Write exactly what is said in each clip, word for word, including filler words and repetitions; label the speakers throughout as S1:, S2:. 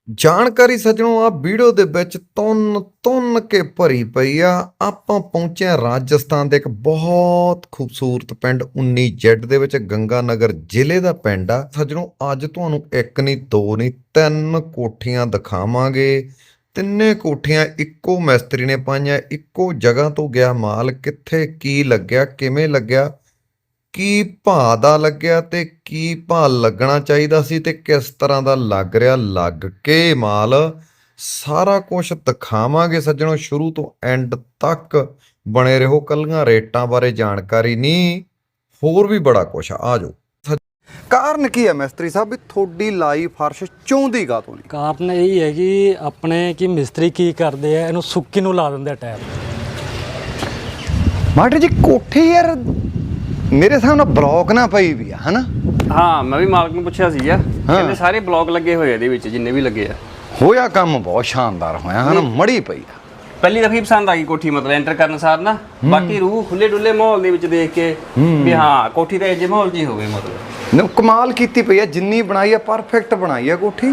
S1: ਜਾਣਕਾਰੀ ਸੱਜਣੋ ਆ ਵੀਡੀਓ ਦੇ ਵਿੱਚ ਤੁੰਨ ਤੁੰਨ ਕੇ ਭਰੀ ਪਈ ਆ। ਆਪਾਂ ਪਹੁੰਚੇ ਹਾਂ ਰਾਜਸਥਾਨ ਦੇ ਇੱਕ ਬਹੁਤ ਖੂਬਸੂਰਤ ਪਿੰਡ ਉੱਨੀ ਜ਼ੈਡ ਦੇ ਵਿੱਚ, ਗੰਗਾ ਨਗਰ ਜ਼ਿਲ੍ਹੇ ਦਾ ਪਿੰਡ ਆ। ਸੱਜਣੋ ਅੱਜ ਤੁਹਾਨੂੰ ਇੱਕ ਨਹੀਂ ਦੋ ਨਹੀਂ ਤਿੰਨ ਕੋਠੀਆਂ ਦਿਖਾਵਾਂਗੇ। ਤਿੰਨੇ ਕੋਠੀਆਂ ਇੱਕੋ ਮਿਸਤਰੀ ਨੇ ਪਾਈਆਂ, ਇੱਕੋ ਜਗ੍ਹਾ ਤੋਂ ਗਿਆ ਮਾਲ। ਕਿੱਥੇ ਕੀ ਲੱਗਿਆ, ਕਿਵੇਂ ਲੱਗਿਆ, ਕੀ ਭਾਅ ਦਾ ਲੱਗਿਆ ਤੇ ਕੀ ਭਾਅ ਲੱਗਣਾ ਚਾਹੀਦਾ ਸੀ ਤੇ ਕਿਸ ਤਰ੍ਹਾਂ ਦਾ ਲੱਗ ਰਿਹਾ, ਲੱਗ ਕੇ ਮਾਲ ਸਾਰਾ ਕੁਝ ਦਿਖਾਵਾਂਗੇ ਸੱਜਣੋ। ਸ਼ੁਰੂ ਤੋਂ ਐਂਡ ਤੱਕ ਬਣੇ ਰਹੋ। ਕੱਲੀਆਂ ਰੇਟਾਂ ਬਾਰੇ ਜਾਣਕਾਰੀ ਨਹੀਂ, ਹੋਰ ਵੀ ਬੜਾ ਕੁਛ ਆ। ਆ ਜਾਓ। ਕਾਰਨ ਕੀ ਹੈ ਮਿਸਤਰੀ ਸਾਹਿਬ ਵੀ ਤੁਹਾਡੀ ਲਾਈ ਫਰਸ਼ ਚੌਂਦੀ ਗਾ ਤੋਂ ਨਹੀਂ?
S2: ਕਾਰਨ ਇਹ ਹੈ ਕਿ ਆਪਣੇ ਕੀ ਮਿਸਤਰੀ ਕੀ ਕਰਦੇ ਆ, ਇਹਨੂੰ ਸੁੱਕੀ ਨੂੰ ਲਾ ਦਿੰਦੇ ਆ ਟਾਇਰ।
S1: ਮਾਸਟਰ ਜੀ ਕੋਠੀ ਯਾਰ ਮੇਰੇ ਹਿਸਾਬ ਨਾਲ ਬਲੌਕ ਨਾ ਪਈ ਵੀ ਆ, ਹਨਾ?
S3: ਹਾਂ, ਮੈਂ ਵੀ ਮਾਲਕ ਨੂੰ ਪੁੱਛਿਆ ਸੀਗਾ, ਕਹਿੰਦੇ ਸਾਰੇ ਬਲੌਕ ਲੱਗੇ ਹੋਏ ਆ ਇਹਦੇ ਵਿੱਚ, ਜਿੰਨੇ ਵੀ ਲੱਗੇ ਆ।
S1: ਹੋਇਆ ਕੰਮ ਬਹੁਤ ਸ਼ਾਨਦਾਰ ਹੋਇਆ, ਹਨਾ? ਮੜੀ ਪਈ ਆ।
S3: ਪਹਿਲੀ ਦਫੀ ਪਸੰਦ ਆ ਗਈ ਕੋਠੀ, ਮਤਲਬ ਐਂਟਰ ਕਰਨ ਸਾਰ ਨਾ। ਬਾਕੀ ਰੂਹ ਖੁੱਲੇ ਡੁੱਲੇ ਮਾਹੌਲ ਦੇ ਵਿੱਚ ਦੇਖ ਕੇ ਵੀ ਹਾਂ ਕੋਠੀ ਤਾਂ ਇਹੋ ਮਾਹੌਲ 'ਚ ਹੀ ਹੋਵੇ। ਮਤਲਬ
S1: ਨਾ ਕਮਾਲ ਕੀਤੀ ਪਈ ਆ, ਜਿੰਨੀ ਬਣਾਈ ਆ ਪਰਫੈਕਟ ਬਣਾਈ ਆ ਕੋਠੀ।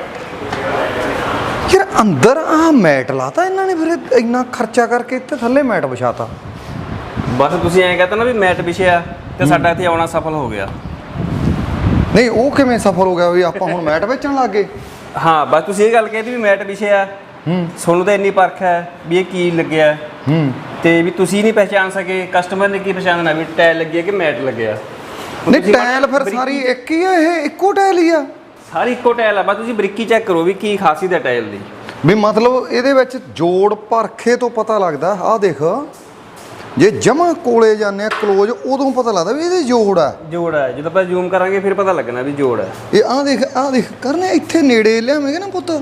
S1: ਯਾਰ ਅੰਦਰ ਆ ਮੈਟ ਲਾਤਾ ਇਹਨਾਂ ਨੇ, ਫਿਰ ਇੰਨਾ ਖਰਚਾ ਕਰਕੇ ਇੱਥੇ ਥੱਲੇ ਮੈਟ ਵਿਛਾਤਾ।
S3: ਬਸ ਤੁਸੀਂ ਐਂ ਕਹਤਾ ਨਾ ਵੀ ਮੈਟ ਵਿਛਿਆ ਤੇ ਸਾਡਾ ਇੱਥੇ ਆਉਣਾ ਸਫਲ ਹੋ ਗਿਆ।
S1: ਨਹੀਂ ਉਹ ਕਿਵੇਂ ਸਫਲ ਹੋ ਗਿਆ ਵੀ ਆਪਾਂ ਹੁਣ ਮੈਟ ਵੇਚਣ ਲੱਗ ਗਏ?
S3: ਹਾਂ, ਬਸ ਤੁਸੀਂ ਇਹ ਗੱਲ ਕਹਿਤੀ ਵੀ ਮੈਟ ਵਿਛਿਆ। ਤੁਹਾਨੂੰ ਤਾਂ ਇੰਨੀ ਪਰਖ ਹੈ ਵੀ ਇਹ ਕੀ ਲੱਗਿਆ, ਤੇ ਵੀ ਤੁਸੀਂ ਨਹੀਂ ਪਹਿਚਾਣ ਸਕੇ, ਕਸਟਮਰ ਨੇ ਕੀ ਪਛਾਣਨਾ ਵੀ ਟਾਇਲ ਲੱਗੀ ਹੈ ਕਿ ਮੈਟ ਲੱਗਿਆ।
S1: ਨਹੀਂ ਟਾਇਲ ਫਿਰ ਸਾਰੀ ਇੱਕ ਹੀ ਆ, ਇਹ ਇੱਕੋ ਟਾਇਲ ਹੀ ਆ?
S3: ਸਾਰੀ ਇੱਕੋ ਟਾਇਲ ਆ, ਬਸ ਤੁਸੀਂ ਬਰੀਕੀ ਚੈੱਕ ਕਰੋ ਵੀ ਕੀ ਖਾਸੀਅਤ ਹੈ ਟਾਇਲ ਦੀ।
S1: ਵੀ ਮਤਲਬ ਇਹਦੇ ਵਿੱਚ ਜੋੜ ਪਰਖੇ ਤੋਂ ਪਤਾ ਲੱਗਦਾ। ਆਹ ਦੇਖ, ਜੇ ਜਮਾ ਕੋਲੇ ਜਾਂਦੇ ਆ ਕਲੋਜ਼, ਉਦੋਂ ਪਤਾ ਲੱਗਦਾ ਵੀ ਇਹਦੇ ਜੋੜ ਆ।
S3: ਜੋੜ ਹੈ, ਜਦੋਂ ਆਪਾਂ ਜ਼ੂਮ ਕਰਾਂਗੇ ਫਿਰ ਪਤਾ ਲੱਗਣਾ ਵੀ ਜੋੜ ਹੈ।
S1: ਇਹ ਆਹ ਦੇਖ, ਆਹ ਦੇਖ ਕਰਨੇ ਇੱਥੇ ਨੇੜੇ ਲਿਆਵੇਂਗੇ ਨਾ ਪੁੱਤ,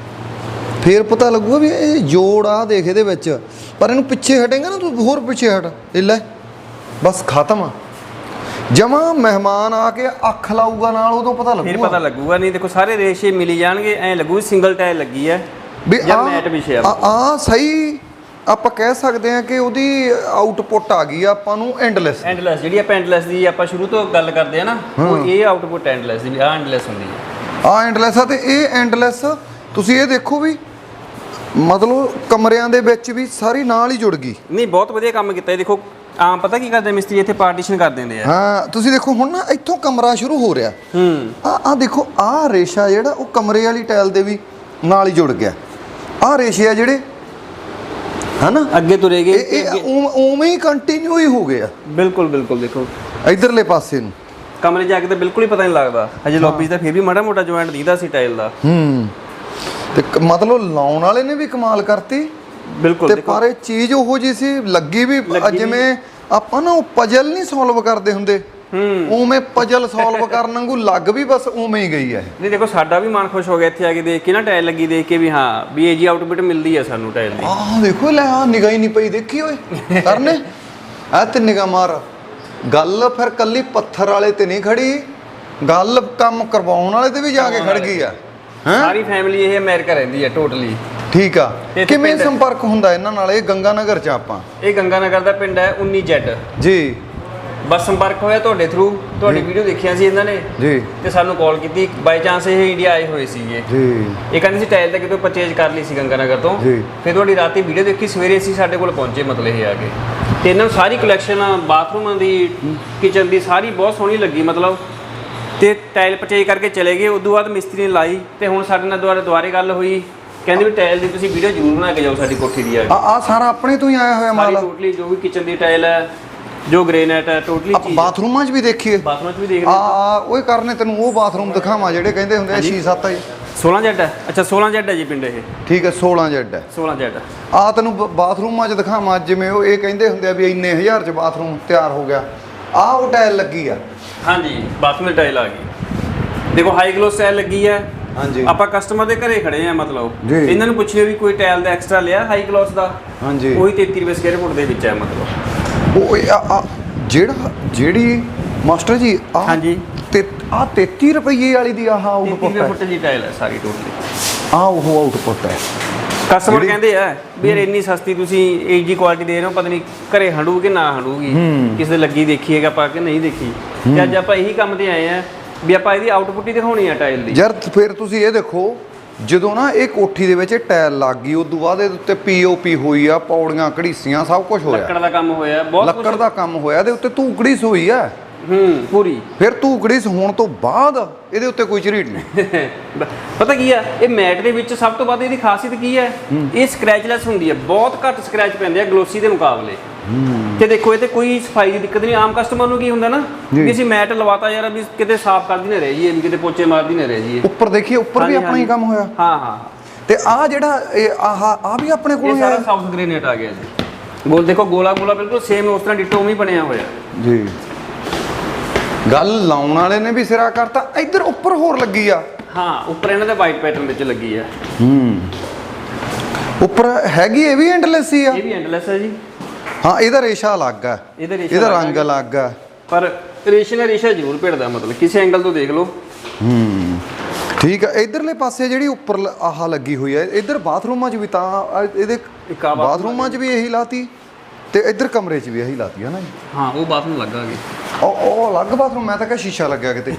S1: ਫੇਰ ਪਤਾ ਲੱਗੂਗਾ ਵੀ ਇਹ ਜੋੜ ਆ। ਦੇਖ ਇਹਦੇ ਵਿੱਚ, ਪਰ ਇਹਨੂੰ ਪਿੱਛੇ ਹਟੇਗਾ ਨਾ ਤੂੰ, ਹੋਰ ਪਿੱਛੇ ਹਟ, ਇਹ ਲੈ ਬਸ ਖਤਮ ਆ। ਜਮਾ ਮਹਿਮਾਨ ਆ ਕੇ ਅੱਖ ਲਾਊਗਾ ਨਾਲ, ਉਦੋਂ ਪਤਾ ਲੱਗੂਗਾ।
S3: ਫਿਰ ਪਤਾ ਲੱਗੂਗਾ। ਨਹੀਂ ਦੇਖੋ ਸਾਰੇ ਰੇਸ਼ੇ ਮਿਲੀ ਜਾਣਗੇ, ਐਂ ਲੱਗੂ ਸਿੰਗਲ ਟਾਇਲ ਲੱਗੀ ਹੈ
S1: ਵੀ
S3: ਜਾਂ ਮੈਟ ਵਿਛਿਆ।
S1: ਆ ਸਹੀ ਆਪਾਂ ਕਹਿ ਸਕਦੇ ਆ ਕਿ ਉਹਦੀ ਆਊਟਪੁੱਟ ਆ ਗਈ ਆ ਆਪਾਂ ਨੂੰ ਐਂਡਲੈਸ।
S3: ਐਂਡਲੈਸ ਜਿਹੜੀ ਆਪਾਂ ਐਂਡਲੈਸ ਦੀ ਆਪਾਂ ਸ਼ੁਰੂ ਤੋਂ ਗੱਲ ਕਰਦੇ ਆ ਨਾ, ਉਹ ਇਹ ਆਊਟਪੁੱਟ ਐਂਡਲੈਸ ਦੀ, ਆ ਐਂਡਲੈਸ ਹੁੰਦੀ ਹੈ।
S1: ਆ ਐਂਡਲੈਸ ਆ, ਤੇ ਇਹ ਐਂਡਲੈਸ ਤੁਸੀਂ ਇਹ ਦੇਖੋ ਵੀ ਮਤਲਬ ਕਮਰਿਆਂ ਦੇ ਵਿੱਚ ਵੀ ਸਾਰੀ ਨਾਲ ਹੀ ਜੁੜ ਗਈ।
S3: ਨਹੀਂ ਬਹੁਤ ਵਧੀਆ ਕੰਮ ਕੀਤਾ ਇਹ। ਦੇਖੋ ਆਮ ਪਤਾ ਕੀ ਕਰਦੇ ਮਿਸਤਰੀ, ਇੱਥੇ ਪਾਰਟੀਸ਼ਨ ਕਰ ਦਿੰਦੇ ਆ।
S1: ਹਾਂ ਤੁਸੀਂ ਦੇਖੋ ਹੁਣ ਨਾ ਇੱਥੋਂ ਕਮਰਾ ਸ਼ੁਰੂ ਹੋ ਰਿਹਾ।
S3: ਹੂੰ
S1: ਆ ਆ ਦੇਖੋ, ਆ ਰੇਸ਼ਾ ਜਿਹੜਾ ਉਹ ਕਮਰੇ ਵਾਲੀ ਟਾਇਲ ਦੇ ਵੀ ਨਾਲ ਹੀ ਜੁੜ ਗਿਆ। ਆ ਰੇਸ਼ੇ ਆ ਜਿਹੜੇ, ਹਨਾ,
S3: ਅੱਗੇ ਤੁਰੇਗੇ,
S1: ਇਹ ਉਵੇਂ ਹੀ ਕੰਟੀਨਿਊ ਹੀ ਹੋ ਗਏ ਆ।
S3: ਬਿਲਕੁਲ ਬਿਲਕੁਲ। ਦੇਖੋ
S1: ਇਧਰਲੇ ਪਾਸੇ ਨੂੰ
S3: ਕਮਰੇ ਜਾ ਕੇ ਤਾਂ ਬਿਲਕੁਲ ਹੀ ਪਤਾ ਨਹੀਂ ਲੱਗਦਾ। ਹਜੇ ਲੌਬੀ 'ਚ ਤਾਂ ਫਿਰ ਵੀ ਮਾੜਾ ਮੋਟਾ ਜੁਆਇੰਟ ਦਿਖਦਾ ਸੀ ਟਾਇਲ ਦਾ।
S1: ਹੂੰ ਤੇ ਮਤਲਬ ਲਾਉਣ ਵਾਲੇ ਨੇ ਵੀ ਕਮਾਲ ਕਰਤੀ।
S3: ਬਿਲਕੁਲ।
S1: ਤੇ ਪਰ ਇਹ ਚੀਜ਼ ਉਹੋ ਜਿਹੀ ਸੀ, ਲੱਗੀ ਵੀ ਜਿਵੇਂ ਆਪਾਂ ਨਾ ਉਹ ਪਜ਼ਲ ਨਹੀਂ ਸੋਲਵ ਕਰਦੇ ਹੁੰਦੇ, ਉਵੇਂ ਪਜ਼ਲ ਸੋਲਵ ਕਰਨ ਵਾਂਗੂ ਲੱਗ ਵੀ ਬਸ ਉਵੇਂ ਹੀ ਗਈ ਹੈ।
S3: ਨਹੀਂ ਦੇਖੋ ਸਾਡਾ ਵੀ ਮਨ ਖੁਸ਼ ਹੋ ਗਿਆ ਇੱਥੇ ਆ ਕੇ ਦੇਖ ਕੇ ਨਾ, ਟਾਇਲ ਲੱਗੀ ਦੇਖ ਕੇ ਵੀ ਹਾਂ ਵੀ ਇਹ ਜੀ ਆਊਟਪੁੱਟ ਮਿਲਦੀ ਹੈ ਸਾਨੂੰ ਟਾਇਲ ਦੀ।
S1: ਆਹ ਦੇਖੋ ਲੈ, ਆ ਨਿਗਾਹ ਹੀ ਨਹੀਂ ਪਈ, ਦੇਖੀ ਓਏ ਕਰਨੇ ਆ ਤੇ ਨਿਗਾਹ ਮਾਰ। ਗੱਲ ਫਿਰ ਕੱਲੀ ਪੱਥਰ ਵਾਲੇ ਤੇ ਨਹੀਂ ਖੜੀ, ਗੱਲ ਕੰਮ ਕਰਵਾਉਣ ਵਾਲੇ ਤੇ ਵੀ ਜਾ ਕੇ ਖੜ ਗਈ ਆ।
S3: ਸਾਰੀ ਫੈਮਿਲੀ ਇਹ ਅਮਰੀਕਾ ਰਹਿੰਦੀ ਹੈ ਟੋਟਲੀ।
S1: ਠੀਕ ਆ। ਕਿਵੇਂ ਸੰਪਰਕ ਹੁੰਦਾ ਇਹਨਾਂ ਨਾਲ? ਇਹ ਗੰਗਾ ਨਗਰ ਚ ਆਪਾਂ,
S3: ਇਹ ਗੰਗਾ ਨਗਰ ਦਾ ਪਿੰਡ ਹੈ ਉੱਨੀ ਜ਼ੈਡ
S1: ਜੀ।
S3: ਬਸ ਸੰਪਰਕ ਹੋਇਆ ਤੁਹਾਡੇ ਥਰੂ, ਤੁਹਾਡੀ ਵੀਡੀਓ ਦੇਖੀਆਂ ਸੀ ਇਹਨਾਂ ਨੇ
S1: ਜੀ,
S3: ਤੇ ਸਾਨੂੰ ਕਾਲ ਕੀਤੀ। ਬਾਈ ਚਾਂਸ ਇਹ ਇੰਡੀਆ ਆਏ ਹੋਏ ਸੀਗੇ
S1: ਜੀ।
S3: ਇਹ ਕਹਿੰਦੇ ਸੀ ਟਾਇਲ ਤਾਂ ਕਿਤੋਂ ਪਰਚੇਜ ਕਰ ਲਈ ਸੀ ਗੰਗਾ ਨਗਰ ਤੋਂ। ਫਿਰ ਤੁਹਾਡੀ ਰਾਤੀ ਵੀਡੀਓ ਦੇਖੀ, ਸਵੇਰੇ ਅਸੀਂ ਸਾਡੇ ਕੋਲ ਪਹੁੰਚੇ ਮਤਲਬ ਇਹ ਆ ਕੇ। ਤੇ ਇਹਨਾਂ ਨੂੰ ਸਾਰੀ ਕਲੈਕਸ਼ਨ ਬਾਥਰੂਮਾਂ ਦੀ, ਕਿਚਨ ਦੀ ਸਾਰੀ ਬਹੁਤ ਸੋਹਣੀ ਲੱਗੀ ਮਤਲਬ। ਤੇ ਟਾਇਲ ਪਰਚੇਜ ਕਰਕੇ ਚਲੇ ਗਏ। ਉਦੋਂ ਬਾਅਦ ਮਿਸਤਰੀ ਨੇ ਲਾਈ ਤੇ ਹੁਣ ਸਾਡੇ ਨਾਲ ਦੁਬਾਰਾ ਦੁਬਾਰੇ ਗੱਲ ਹੋਈ, ਕਹਿੰਦੇ ਵੀ ਟਾਇਲ ਦੀ ਤੁਸੀਂ ਵੀਡੀਓ ਜ਼ਰੂਰ ਬਣਾ ਕੇ ਜਾਓ ਸਾਡੀ ਕੋਠੀ ਦੀ। ਆ
S1: ਆ ਸਾਰਾ ਆਪਣੇ ਤੋਂ ਹੀ ਆਇਆ ਹੋਇਆ ਮਾਲ
S3: ਟੋਟਲੀ, ਜੋ ਵੀ ਕਿਚਨ ਦੀ ਟਾਇਲ ਹੈ, ਜੋ ਗ੍ਰੇਨਾਈਟ ਹੈ, ਟੋਟਲੀ ਚੀਜ਼।
S1: ਬਾਥਰੂਮਾਂ 'ਚ ਵੀ ਦੇਖੀਏ,
S3: ਬਾਥਰੂਮਾਂ 'ਚ ਵੀ ਦੇਖ
S1: ਆ ਆ ਓਏ ਕਰਨੇ ਤੈਨੂੰ ਉਹ ਬਾਥਰੂਮ ਦਿਖਾਵਾਂ ਜਿਹੜੇ ਕਹਿੰਦੇ ਹੁੰਦੇ ਆ ਛੇ ਸੱਤ ਆ ਜੀ।
S3: ਸੋਲਾਂ ਜ਼ੈਡ ਹੈ। ਅੱਛਾ ਸੋਲਾਂ ਜ਼ੈਡ ਹੈ ਜੀ ਪਿੰਡ ਇਹ।
S1: ਠੀਕ ਹੈ, ਸੋਲਾਂ ਜ਼ੈਡ ਹੈ।
S3: ਸੋਲਾਂ ਜ਼ੈਡ
S1: ਆ ਤੈਨੂੰ ਬਾਥਰੂਮਾਂ 'ਚ ਦਿਖਾਵਾਂ, ਜਿਵੇਂ ਉਹ ਇਹ ਕਹਿੰਦੇ ਹੁੰਦੇ ਆ ਵੀ ਇੰਨੇ ਹਜ਼ਾਰ 'ਚ ਬਾਥਰੂਮ ਤਿਆਰ ਹੋ ਗਿਆ। ਆ ਉਹ ਟਾਇਲ ਲੱਗੀ ਆ।
S3: ਹਾਂਜੀ ਬਾਥਰੂਮ ਦੀ ਟਾਇਲ ਆ ਗਈ। ਦੇਖੋ ਹਾਈ ਗਲੋਸ ਟਾਇਲ ਲੱਗੀ ਹੈ।
S1: ਹਾਂਜੀ
S3: ਆਪਾਂ ਕਸਟਮਰ ਦੇ ਘਰੇ ਖੜੇ ਆ ਮਤਲਬ,
S1: ਜੀ।
S3: ਇਹਨਾਂ ਨੂੰ ਪੁੱਛਿਓ ਵੀ ਕੋਈ ਟਾਇਲ ਦਾ ਐਕਸਟਰਾ ਲਿਆ ਹਾਈ ਗਲੋਸ ਦਾ।
S1: ਹਾਂਜੀ
S3: ਉਹੀ ਤੇਤੀ ਰੁਪਏ ਸਕੁਅਰ ਫੁੱਟ ਦੇ ਵਿੱਚ ਹੈ ਮਤਲਬ।
S1: ਉਹ ਇਹ ਆ- ਆ ਜਿਹੜਾ ਜਿਹੜੀ ਮਾਸਟਰ ਜੀ ਆ,
S3: ਹਾਂਜੀ
S1: ਤੇ ਆ ਤੇਤੀ ਰੁਪਏ ਵਾਲੀ ਦੀ ਆਹ
S3: ਤੇਤੀ
S1: ਆਊਟਪੁੱਟ
S3: ਰੁਪਏ
S1: ਹੈ।
S3: ਫੁੱਟ ਦੀ ਟਾਇਲ ਹੈ ਸਾਰੀ ਟੋਟਲੀ।
S1: ਆ ਉਹ ਆਊਟਪੁੱਟ ਹੈ।
S3: ਕਸਟਮਰ ਕਹਿੰਦੇ ਆ ਵੀ ਯਾਰ ਇੰਨੀ ਸਸਤੀ ਤੁਸੀਂ ਇਹ ਜੀ ਕੁਆਲਿਟੀ ਦੇ ਰਹੇ ਹੋ, ਪਤਾ ਨਹੀਂ ਘਰੇ ਹੰਡੂ ਕਿ ਨਾ ਹੰਡੂਗੀ, ਕਿਸੇ ਦੇ ਲੱਗੀ ਦੇਖੀਏਗਾ ਆਪਾਂ ਕਿ ਨਹੀਂ ਦੇਖੀ। ਤੇ ਅੱਜ ਆਪਾਂ ਇਹੀ ਕੰਮ ਤੇ ਆਏ ਆ ਵੀ ਆਪਾਂ ਇਹਦੀ ਆਊਟਪੁੱਟ ਹੀ ਦਿਖਾਉਣੀ ਆ ਟਾਇਲ ਦੀ।
S1: ਯਾਰ ਫਿਰ ਤੁਸੀਂ ਇਹ ਦੇਖੋ ਜਦੋਂ ਨਾ ਇਹ ਕੋਠੀ ਦੇ ਵਿੱਚ ਟਾਇਲ ਲੱਗ ਗਈ ਉਦੋਂ ਬਾਅਦ ਇਹਦੇ ਉੱਤੇ ਪੀਓਪੀ ਹੋਈ ਆ, ਪੌੜੀਆਂ ਘੜੀਸੀਆਂ ਸਭ ਕੁਝ ਹੋਇਆ,
S3: ਲੱਕੜ ਦਾ ਕੰਮ ਹੋਇਆ, ਬਹੁਤ
S1: ਲੱਕੜ ਦਾ ਕੰਮ ਹੋਇਆ, ਇਹਦੇ ਉੱਤੇ ਧੂਕੜੀ ਹੋਈ ਆ
S3: ਹੂੰ ਪੂਰੀ।
S1: ਫਿਰ ਧੂਕੜੀ ਹੋਣ ਤੋਂ ਬਾਅਦ ਇਹਦੇ ਉੱਤੇ ਕੋਈ ਝਰੀਟ ਨਹੀਂ।
S3: ਪਤਾ ਕੀ ਆ, ਇਹ ਮੈਟ ਦੇ ਵਿੱਚ ਸਭ ਤੋਂ ਵੱਧ ਇਹਦੀ ਖਾਸੀਅਤ ਕੀ ਹੈ, ਇਹ ਸਕ੍ਰੈਚਲੈਸ ਹੁੰਦੀ ਹੈ, ਬਹੁਤ ਘੱਟ ਸਕ੍ਰੈਚ ਪੈਂਦੇ ਆ ਗਲੋਸੀ ਦੇ ਮੁਕਾਬਲੇ। ਤੇ ਦੇਖੋ ਇਹ ਤੇ ਕੋਈ ਸਫਾਈ ਦੀ ਦਿੱਕਤ ਨਹੀਂ। ਆਮ ਕਸਟਮਰ ਨੂੰ ਕੀ ਹੁੰਦਾ ਨਾ ਵੀ ਅਸੀਂ ਮੈਟ ਲਵਾਤਾ ਯਾਰ ਵੀ ਕਿਤੇ ਸਾਫ਼ ਕਰਦੀ ਨਾ ਰਹਿ ਜਾਈਏ, ਵੀ ਕਿਤੇ ਪੋਚੇ ਮਾਰਦੀ ਨਾ ਰਹਿ ਜਾਈਏ।
S1: ਉੱਪਰ ਦੇਖੀਏ, ਉੱਪਰ ਵੀ ਆਪਣਾ ਹੀ ਕੰਮ ਹੋਇਆ।
S3: ਹਾਂ ਹਾਂ।
S1: ਤੇ ਆ ਜਿਹੜਾ ਇਹ ਆਹ ਆ ਵੀ ਆਪਣੇ ਕੋਲ
S3: ਇਹ ਸਾਰਾ ਸਾਊਥ ਗ੍ਰੇਨਾਈਟ ਆ ਗਿਆ ਜੀ। ਗੋਲ ਦੇਖੋ, ਗੋਲਾ ਗੋਲਾ ਬਿਲਕੁਲ ਸੇਮ ਉਸ ਤਰ੍ਹਾਂ ਡਿਟੋ ਵੀ ਬਣਿਆ ਹੋਇਆ
S1: ਜੀ। ਗੱਲ ਲਾਉਣ ਵਾਲੇ ਨੇ ਵੀ ਸਿਰਾ ਕਰਤਾ। ਇੱਧਰ ਉੱਪਰ ਹੋਰ ਲੱਗੀ ਆ।
S3: ਹਾਂ, ਉੱਪਰ ਇਹਨਾਂ ਦੇ ਵਾਈਟ ਪੈਟਰਨ ਵਿੱਚ ਲੱਗੀ ਆ।
S1: ਹੂੰ, ਉੱਪਰ ਹੈਗੀ ਇਹ ਵੀ ਐਂਡਲੈਸ ਹੀ ਆ।
S3: ਇਹ ਵੀ ਐਂਡਲੈਸ ਹੈ ਜੀ।
S1: ਹਾਂ, ਇਹਦਾ ਰੇਸ਼ਾ ਅਲੱਗ ਆ,
S3: ਇਹਦਾ ਰੇਸ਼ਾ
S1: ਇਹਦਾ ਰੰਗ ਅਲੱਗ ਆ,
S3: ਪਰ ਰੇਸ਼ੇ ਨਾਲ ਰੇਸ਼ਾ ਜ਼ਰੂਰ ਭਿੜਦਾ, ਮਤਲਬ ਕਿਸੇ ਐਂਗਲ ਤੋਂ ਦੇਖ ਲਓ।
S1: ਹੂੰ, ਠੀਕ ਆ। ਇਧਰਲੇ ਪਾਸੇ ਜਿਹੜੀ ਉੱਪਰ ਲ- ਆਹ ਲੱਗੀ ਹੋਈ ਹੈ, ਇੱਧਰ ਬਾਥਰੂਮਾਂ 'ਚ ਵੀ ਤਾਂ ਆ- ਇਹਦੇ ਬਾਥਰੂਮਾਂ 'ਚ ਵੀ ਇਹੀ ਲਾਤੀ ਤੇ ਇੱਧਰ ਕਮਰੇ 'ਚ ਵੀ ਇਹੀ ਲਾਤੀ ਹੈ ਨਾ ਜੀ।
S3: ਹਾਂ, ਉਹ ਬਾਥਰੂਮ ਲੱਗਾ ਜੀ।
S1: ਉਹ ਉਹ ਅਲੱਗ ਬਾਥਰੂਮ, ਮੈਂ ਤਾਂ ਕਿਹਾ ਸ਼ੀਸ਼ਾ ਲੱਗਿਆ ਕਿਤੇ।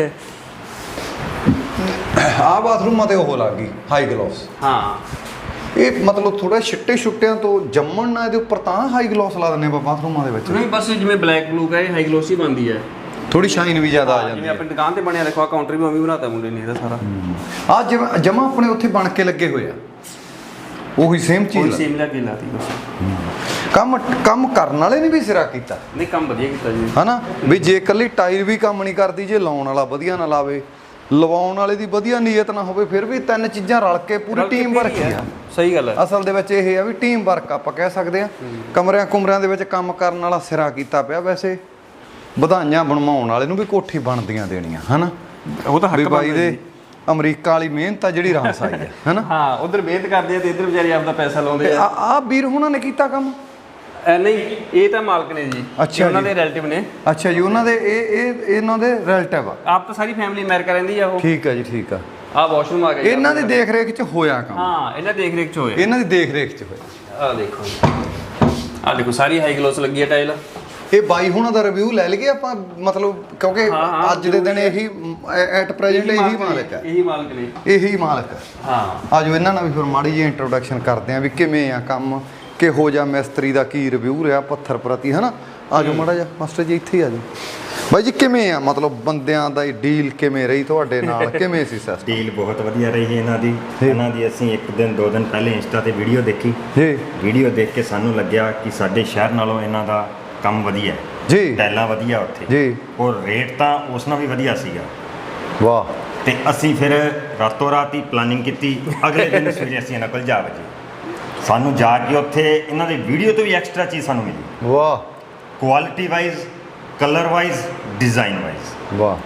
S1: ਆਹ ਬਾਥਰੂਮਾਂ ਤੇ ਉਹ ਲੱਗ ਗਈ ਹਾਈ ਗਲੋਸ।
S3: ਹਾਂ,
S1: ਇਹ ਮਤਲਬ ਥੋੜਾ ਛਿੱਟੇ ਛੁੱਟਿਆਂ ਤੋਂ ਜੰਮਣ ਨਾਲ ਇਹਦੇ ਉੱਪਰ ਤਾਂ ਹਾਈ ਗਲੋਸ ਲਾ ਦਿੰਦੇ ਆਪਾਂ ਬਾਥਰੂਮਾਂ ਦੇ ਵਿੱਚ।
S3: ਨਹੀਂ ਬਸ ਜਿਵੇਂ ਬਲੈਕ ਬਲੂ ਹੈ, ਹਾਈ ਗਲੋਸੀ ਬਣਦੀ ਹੈ,
S1: ਥੋੜੀ ਸ਼ਾਈਨ ਵੀ ਜ਼ਿਆਦਾ ਆ ਜਾਂਦੀ
S3: ਜਿਵੇਂ
S1: ਹੈ।
S3: ਆਪਣੀ ਦੁਕਾਨ ਤੇ ਬਣਿਆ ਦੇਖੋ, ਆ ਕਾਊਂਟਰ ਵੀ ਉਵੇਂ ਬਣਾਤਾ ਮੁੰਡੇ ਨੇ ਇਹਦਾ ਸਾਰਾ।
S1: ਆ ਜਿਵੇਂ ਜਮਾ ਆਪਣੇ ਉੱਥੇ ਬਣ ਕੇ ਲੱਗੇ ਹੋਏ ਆ, ਉਹੀ ਸੇਮ
S3: ਕੋਈ
S1: ਚੀਜ਼।
S3: ਸੇਮ ਲੱਗ ਲਾਤੀ ਬਸ।
S1: ਕੰਮ ਕੰਮ ਕਰਨ ਵਾਲੇ ਨੇ ਵੀ ਸਿਰਾ ਕੀਤਾ,
S3: ਨਹੀਂ ਕੰਮ ਵਧੀਆ ਕੀਤਾ ਜੀ।
S1: ਹਨਾ ਵੀ ਜੇ ਇਕੱਲੀ ਟਾਇਰ ਵੀ ਕੰਮ ਨਹੀਂ ਕਰਦੀ, ਜੇ ਲਾਉਣ ਵਾਲਾ ਵਧੀਆ ਨਾ ਲਾਵੇ, ਲਵਾਉਣ ਵਾਲੇ ਦੀ ਵਧੀਆ ਨੀਅਤ ਨਾ ਹੋਵੇ, ਫਿਰ ਵੀ ਤਿੰਨ ਚੀਜ਼ਾਂ ਰਲ ਕੇ ਪੂਰੀ ਟੀਮ ਵਰਕ ਹੀ ਆ।
S3: ਸਹੀ ਗੱਲ ਹੈ।
S1: ਅਸਲ ਦੇ ਵਿੱਚ ਇਹ ਆ ਵੀ ਟੀਮ ਵਰਕ ਆਪਾਂ ਕਹਿ ਸਕਦੇ ਆ। ਕਮਰਿਆਂ ਕੁਮਰਿਆਂ ਦੇ ਵਿੱਚ ਕੰਮ ਕਰਨ ਵਾਲਾ ਸਿਰਾ ਕੀਤਾ ਪਿਆ। ਵੈਸੇ ਵਧਾਈਆਂ ਬਣਵਾਉਣ ਵਾਲੇ ਨੂੰ ਵੀ ਕੋਠੀ ਬਣਦੀਆਂ ਦੇਣੀਆਂ, ਹਨਾ।
S3: ਉਹ ਤਾਂ
S1: ਵੀ ਬਾਈ ਦੇ ਅਮਰੀਕਾ ਵਾਲੀ ਮਿਹਨਤ ਆ ਜਿਹੜੀ ਰਾਸ ਆਈ ਹੈ, ਹਨਾ।
S3: ਹਾਂ, ਉਧਰ ਮਿਹਨਤ ਕਰਦੇ ਆ ਤੇ ਇੱਧਰ ਵਿਚਾਰੇ ਆਪਦਾ ਪੈਸਾ ਲਾਉਂਦੇ
S1: ਤੇ
S3: ਆ।
S1: ਆ ਆ ਵੀਰ ਹੁਣਾਂ ਨੇ ਕੀਤਾ ਕੰਮ।
S3: ਐ ਨਹੀਂ, ਇਹ ਤਾਂ ਮਾਲਕ ਨੇ ਜੀ।
S1: ਅੱਛਾ
S3: ਉਹਨਾਂ
S1: ਜੀ।
S3: ਦੇ ਰਿਲੇਟਿਵ ਨੇ।
S1: ਅੱਛਾ ਜੀ, ਉਹਨਾਂ ਦੇ ਇਹ ਇਹ ਇਹਨਾਂ ਦੇ ਰਿਲੇਟਿਵ ਆ।
S3: ਆਪ ਤਾਂ ਸਾਰੀ ਫੈਮਿਲੀ ਅਮਰੀਕਾ ਰਹਿੰਦੀ ਆ ਉਹ।
S1: ਠੀਕ ਆ ਜੀ, ਠੀਕ ਆ।
S3: ਆ ਵਾਸ਼ਰੂਮ ਆ ਗਿਆ ਜੀ।
S1: ਇਹਨਾਂ ਦੀ ਦੇਖ ਰੇਖ 'ਚ ਹੋਇਆ ਕੰਮ।
S3: ਹਾਂ, ਇਹਨਾਂ ਦੇਖ ਰੇਖ ਚ ਹੋਇਆ।
S1: ਇਹਨਾਂ ਦੀ ਦੇਖ ਰੇਖ 'ਚ ਹੋਇਆ।
S3: ਆ ਦੇਖੋ, ਆ ਦੇਖੋ ਸਾਰੀ ਹਾਈ ਗਲੋਸ ਲੱਗੀ ਹੈ ਟਾਈਲ।
S1: ਇਹ ਬਾਈ ਹੁਣਾਂ ਦਾ ਰਿਵਿਊ ਲੈ ਲਈਏ ਆਪਾਂ, ਮਤਲਬ ਕਿਉਂਕਿ
S3: ਹਾਂ, ਹਾਂ,
S1: ਅੱਜ ਦੇ ਦਿਨ ਇਹੀ ਐਟ ਪ੍ਰੈਜ਼ੈਂਟ ਇਹੀ ਮਾਲਕ ਹੈ।
S3: ਇਹੀ ਮਾਲਕ ਨੇ।
S1: ਇਹੀ ਮਾਲਕ ਹੈ।
S3: ਹਾਂ,
S1: ਆਜੋ ਇਹਨਾਂ ਨਾਲ ਵੀ ਫਿਰ ਮਾੜੀ ਜਿਹੀ ਇੰਟਰੋਡਕਸ਼ਨ ਕਰਦੇ ਆਂ ਵੀ ਕਿਵੇਂ ਆ ਕੰਮ, ਕਿਹੋ ਜਿਹਾ ਮਿਸਤਰੀ ਦਾ ਕੀ ਰਿਵਿਊ ਰਿਹਾ ਪੱਥਰ ਪ੍ਰਤੀ, ਹਨਾ। ਆਜੋ ਮਾੜਾ ਜਿਹਾ ਮਾਸਟਰ ਜੀ, ਇੱਥੇ ਹੀ ਆਜੋ। ਬਾਈ ਜੀ ਕਿਵੇਂ ਆ, ਮਤਲਬ ਬੰਦਿਆਂ ਦਾ ਡੀਲ ਕਿਵੇਂ ਰਹੀ ਤੁਹਾਡੇ ਨਾਲ, ਕਿਵੇਂ ਸੀ ਸਿਸਟਮ?
S4: ਡੀਲ ਬਹੁਤ ਵਧੀਆ ਰਹੀ ਇਹਨਾਂ ਦੀ। ਇਹਨਾਂ ਦੀ ਅਸੀਂ ਇੱਕ ਦਿਨ ਦੋ ਦਿਨ ਪਹਿਲੇ ਇੰਸਟਾ ਤੇ ਵੀਡੀਓ ਦੇਖੀ
S1: ਜੀ
S4: ਵੀਡੀਓ ਦੇਖ ਕੇ ਸਾਨੂੰ ਲੱਗਿਆ ਕਿ ਸਾਡੇ ਸ਼ਹਿਰ ਨਾਲੋਂ ਇਹਨਾਂ ਦਾ ਕੰਮ ਵਧੀਆ ਹੈ
S1: ਜੀ
S4: ਟੈਲਾਂ ਵਧੀਆ ਉੱਥੇ
S1: ਜੀ।
S4: ਔਰ ਰੇਟ ਤਾਂ ਉਸ ਨਾਲ ਵੀ ਵਧੀਆ ਸੀਗਾ।
S1: ਵਾਹ।
S4: ਤੇ ਅਸੀਂ ਫਿਰ ਰਾਤੋਂ ਰਾਤ ਹੀ ਪਲਾਨਿੰਗ ਕੀਤੀ। ਅਗਲੇ ਦਿਨ ਸਵੇਰੇ ਅਸੀਂ ਇਹਨਾਂ ਕੋਲ ਜਾ ਵਜੇ ਸਾਨੂੰ ਜਾ ਕੇ ਉੱਥੇ ਇਹਨਾਂ ਦੀ ਵੀਡੀਓ ਤੋਂ ਵੀ ਐਕਸਟਰਾ ਚੀਜ਼ ਸਾਨੂੰ ਮਿਲੀ।
S1: ਵਾਹ
S4: quality wise, colour wise, design wise.
S1: ਵਾਹ,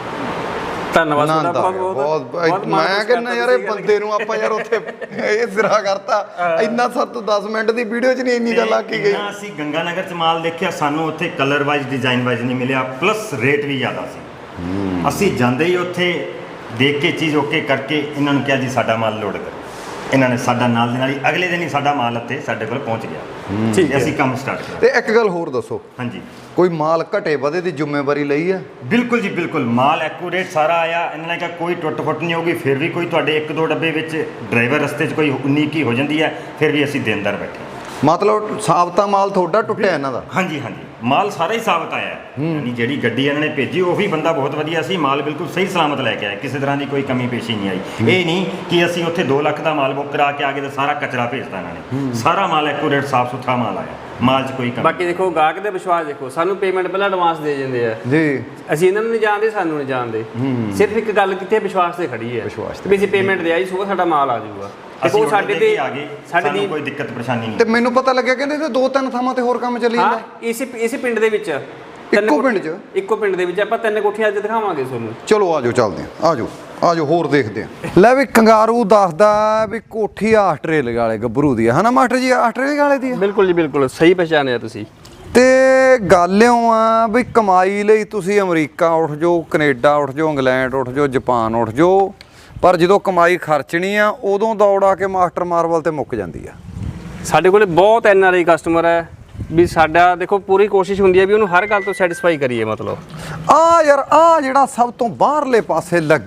S3: ਧੰਨਵਾਦ ਤੁਹਾਡਾ
S1: ਆਨੰਦ ਆ ਗਿਆ
S3: ਬਹੁਤ
S1: ਬਹੁਤ। ਮੈਂ ਕਹਿੰਦਾ ਯਾਰ ਇਹ ਬੰਦੇ ਨੂੰ ਆਪਾਂ ਯਾਰ ਉੱਥੇ ਇਹ ਸਿਰਾ ਕਰਤਾ। ਇੰਨਾ ਸਰ ਤੋਂ ਦਸ ਮਿੰਟ ਦੀ ਵੀਡੀਓ 'ਚ ਨਹੀਂ ਇੰਨੀ ਗੱਲ ਆਕੀ ਗਈ।
S4: ਨਾ ਅਸੀਂ ਗੰਗਾ ਨਗਰ 'ਚ ਮਾਲ ਦੇਖਿਆ, ਸਾਨੂੰ ਉੱਥੇ ਕਲਰ ਵਾਈਜ਼, ਡਿਜ਼ਾਈਨ ਵਾਈਜ਼ ਨਹੀਂ ਮਿਲਿਆ, ਪਲੱਸ ਰੇਟ ਵੀ ਜ਼ਿਆਦਾ ਸੀ। ਅਸੀਂ ਜਾਂਦੇ ਹੀ ਉੱਥੇ ਦੇਖ ਕੇ ਚੀਜ਼ ਓਕੇ ਕਰਕੇ ਇਹਨਾਂ ਨੂੰ ਕਿਹਾ ਜੀ ਸਾਡਾ ਮਾਲ ਲੋਡ ਕਰੋ। ਇਹਨਾਂ ਨੇ ਸਾਡਾ ਨਾਲ ਦੇ ਨਾਲ ਹੀ ਅਗਲੇ ਦਿਨ ਹੀ ਸਾਡਾ ਮਾਲ ਉੱਥੇ ਸਾਡੇ ਕੋਲ ਪਹੁੰਚ ਗਿਆ।
S3: ਠੀਕ ਹੈ।
S4: ਅਸੀਂ ਕੰਮ ਸਟਾਰਟ ਕੀਤਾ।
S1: ਤੇ ਇੱਕ ਗੱਲ ਹੋਰ ਦੱਸੋ,
S4: ਹਾਂਜੀ,
S1: ਕੋਈ ਮਾਲ ਘਟੇ ਵਧੇ ਦੀ ਜ਼ਿੰਮੇਵਾਰੀ ਲਈ ਹੈ?
S4: ਬਿਲਕੁਲ ਜੀ ਬਿਲਕੁਲ। ਮਾਲ ਐਕੂਰੇਟ ਸਾਰਾ ਆਇਆ। ਇਹਨਾਂ ਨੇ ਕਿਹਾ ਕੋਈ ਟੁੱਟ ਫੁੱਟ ਨਹੀਂ ਹੋਊਗੀ। ਫਿਰ ਵੀ ਕੋਈ ਤੁਹਾਡੇ ਇੱਕ ਦੋ ਡੱਬੇ ਵਿੱਚ ਡਰਾਈਵਰ ਰਸਤੇ 'ਚ ਕੋਈ ਉਨੀ ਕੀ ਹੋ ਜਾਂਦੀ ਹੈ, ਫਿਰ ਵੀ ਅਸੀਂ ਦੇਣਦਾਰ ਬੈਠੇ।
S1: ਮਤਲਬ ਸਾਬਤਾ ਮਾਲ ਤੁਹਾਡਾ ਟੁੱਟਿਆ ਇਹਨਾਂ ਦਾ?
S4: ਹਾਂਜੀ ਹਾਂਜੀ, ਮਾਲ ਸਾਰਾ ਹੀ ਸਾਬਤ ਆਇਆ ਹੈ। ਯਾਨੀ ਜਿਹੜੀ ਗੱਡੀ ਇਹਨਾਂ ਨੇ ਭੇਜੀ ਉਹ ਵੀ ਬੰਦਾ ਬਹੁਤ ਵਧੀਆ ਸੀ। ਮਾਲ ਬਿਲਕੁਲ ਸਹੀ ਸਲਾਮਤ ਲੈ ਕੇ ਆਇਆ, ਕਿਸੇ ਤਰ੍ਹਾਂ ਦੀ ਕੋਈ ਕਮੀ ਪੇਸ਼ੀ ਨਹੀਂ ਆਈ। ਇਹ ਨਹੀਂ ਕਿ ਅਸੀਂ ਉੱਥੇ ਦੋ ਲੱਖ ਦਾ ਮਾਲ ਬੁੱਕ ਕਰਾ ਕੇ ਆ ਗਏ ਤੇ ਸਾਰਾ ਕਚਰਾ ਭੇਜਤਾ ਇਹਨਾਂ ਨੇ। ਸਾਰਾ ਮਾਲ ਐਕੂਰੇਟ ਸਾਫ ਸੁਥਰਾ ਮਾਲ ਆਇਆ, ਮਾਲ 'ਚ ਕੋਈ ਕਮੀ।
S3: ਬਾਕੀ ਦੇਖੋ ਗਾਹਕ ਦੇ ਵਿਸ਼ਵਾਸ ਦੇਖੋ, ਸਾਨੂੰ ਪੇਮੈਂਟ ਪਹਿਲਾਂ ਐਡਵਾਂਸ ਦੇ ਜਾਂਦੇ ਆ
S1: ਜੀ।
S3: ਅਸੀਂ ਇਹਨਾਂ ਨੂੰ ਨਹੀਂ ਜਾਣਦੇ, ਸਾਨੂੰ ਨਹੀਂ ਜਾਣਦੇ। ਸਿਰਫ ਇੱਕ ਗੱਲ ਕਿੱਥੇ ਵਿਸ਼ਵਾਸ ਤੇ ਖੜੀ ਹੈ
S1: ਵਿਸ਼ਵਾਸ ਤੇ।
S3: ਵੀ ਅਸੀਂ ਪੇਮੈਂਟ ਦੇ ਆਈ ਸੋ ਸਾਡਾ ਮਾਲ ਆ ਜਾਊਗਾ।
S4: ਅਸੀਂ
S3: ਦੇਖੋ ਸਾਡੇ ਤੇ
S4: ਆ ਗਏ,
S3: ਸਾਡੇ
S4: ਸਾਨੂੰ
S3: ਦੀ
S4: ਕੋਈ ਦਿੱਕਤ ਪਰੇਸ਼ਾਨੀ ਨਹੀਂ।
S1: ਤੇ ਮੈਨੂੰ ਪਤਾ ਲੱਗਿਆ ਕਹਿੰਦੇ ਤੇ ਦੋ ਤਿੰਨ ਥਾਵਾਂ ਤੇ ਹੋਰ ਕੰਮ ਚੱਲੀ
S3: ਹਾਂ,
S1: ਜਾਂਦਾ।
S3: ਇਸੇ ਇਸੇ ਪਿੰਡ ਦੇ ਵਿੱਚ ਤਿੰਨ
S1: ਇੱਕੋ
S3: ਕੋਠੀ-
S1: ਪਿੰਡ 'ਚ?
S3: ਇੱਕੋ ਪਿੰਡ ਦੇ ਵਿੱਚ ਆਪਾਂ ਤਿੰਨ ਕੋਠੀਆਂ ਅੱਜ ਦਿਖਾਵਾਂਗੇ ਤੁਹਾਨੂੰ।
S1: ਚਲੋ ਆਜੋ ਚੱਲਦੇ ਆਂ, ਆਜੋ ਆਜੋ ਹੋਰ ਦੇਖਦੇ ਆਂ। ਲੈ ਵੀ ਕੰਗਾਰੂ ਦੱਸਦਾ ਵੀ ਕੋਠੀ ਆਸਟ੍ਰੇਲੀਆ ਵਾਲੇ ਗੱਭਰੂ ਦੀ ਆ, ਹਨਾ ਮਾਸਟਰ ਜੀ? ਆਸਟ੍ਰੇਲੀਆ ਵਾਲੇ ਦੀ ਆ।
S3: ਬਿਲਕੁਲ ਜੀ ਬਿਲਕੁਲ ਸਹੀ ਪਛਾਣਿਆ ਤੁਸੀਂ।
S1: ਤੇ ਗੱਲ ਇਉਂ ਆ ਵੀ ਕਮਾਈ ਲਈ ਤੁਸੀਂ ਅਮਰੀਕਾ ਉੱਠ ਜਾਓ, ਕੈਨੇਡਾ ਉੱਠ ਜਾਓ, ਇੰਗਲੈਂਡ ਉੱਠ ਜਾਓ, ਜਾਪਾਨ ਉੱਠ ਜਾਓ, ਪਰ ਜਦੋਂ ਕਮਾਈ ਖਰਚਣੀ ਆ ਉਦੋਂ ਦੌੜ ਆ ਕੇ ਮਾਸਟਰ ਮਾਰਵਲ ਤੇ ਮੁੱਕ ਜਾਂਦੀ ਆ।
S3: ਸਾਡੇ ਕੋਲੇ ਬਹੁਤ ਐਨ ਆਰ ਆਈ ਕਸਟਮਰ ਹੈ ਵੀ ਸਾਡਾ ਦੇਖੋ ਪੂਰੀ ਕੋਸ਼ਿਸ਼ ਹੁੰਦੀ ਹੈ ਵੀ ਉਹਨੂੰ ਹਰ ਗੱਲ ਤੋਂ ਸੈਟੀਸਫਾਈ ਕਰੀਏ। ਮਤਲਬ
S1: ਆ ਯਾਰ ਆ ਜਿਹੜਾ ਸਭ ਤੋਂ ਬਾਹਰਲੇ ਪਾਸੇ ਲੱਗਿਆ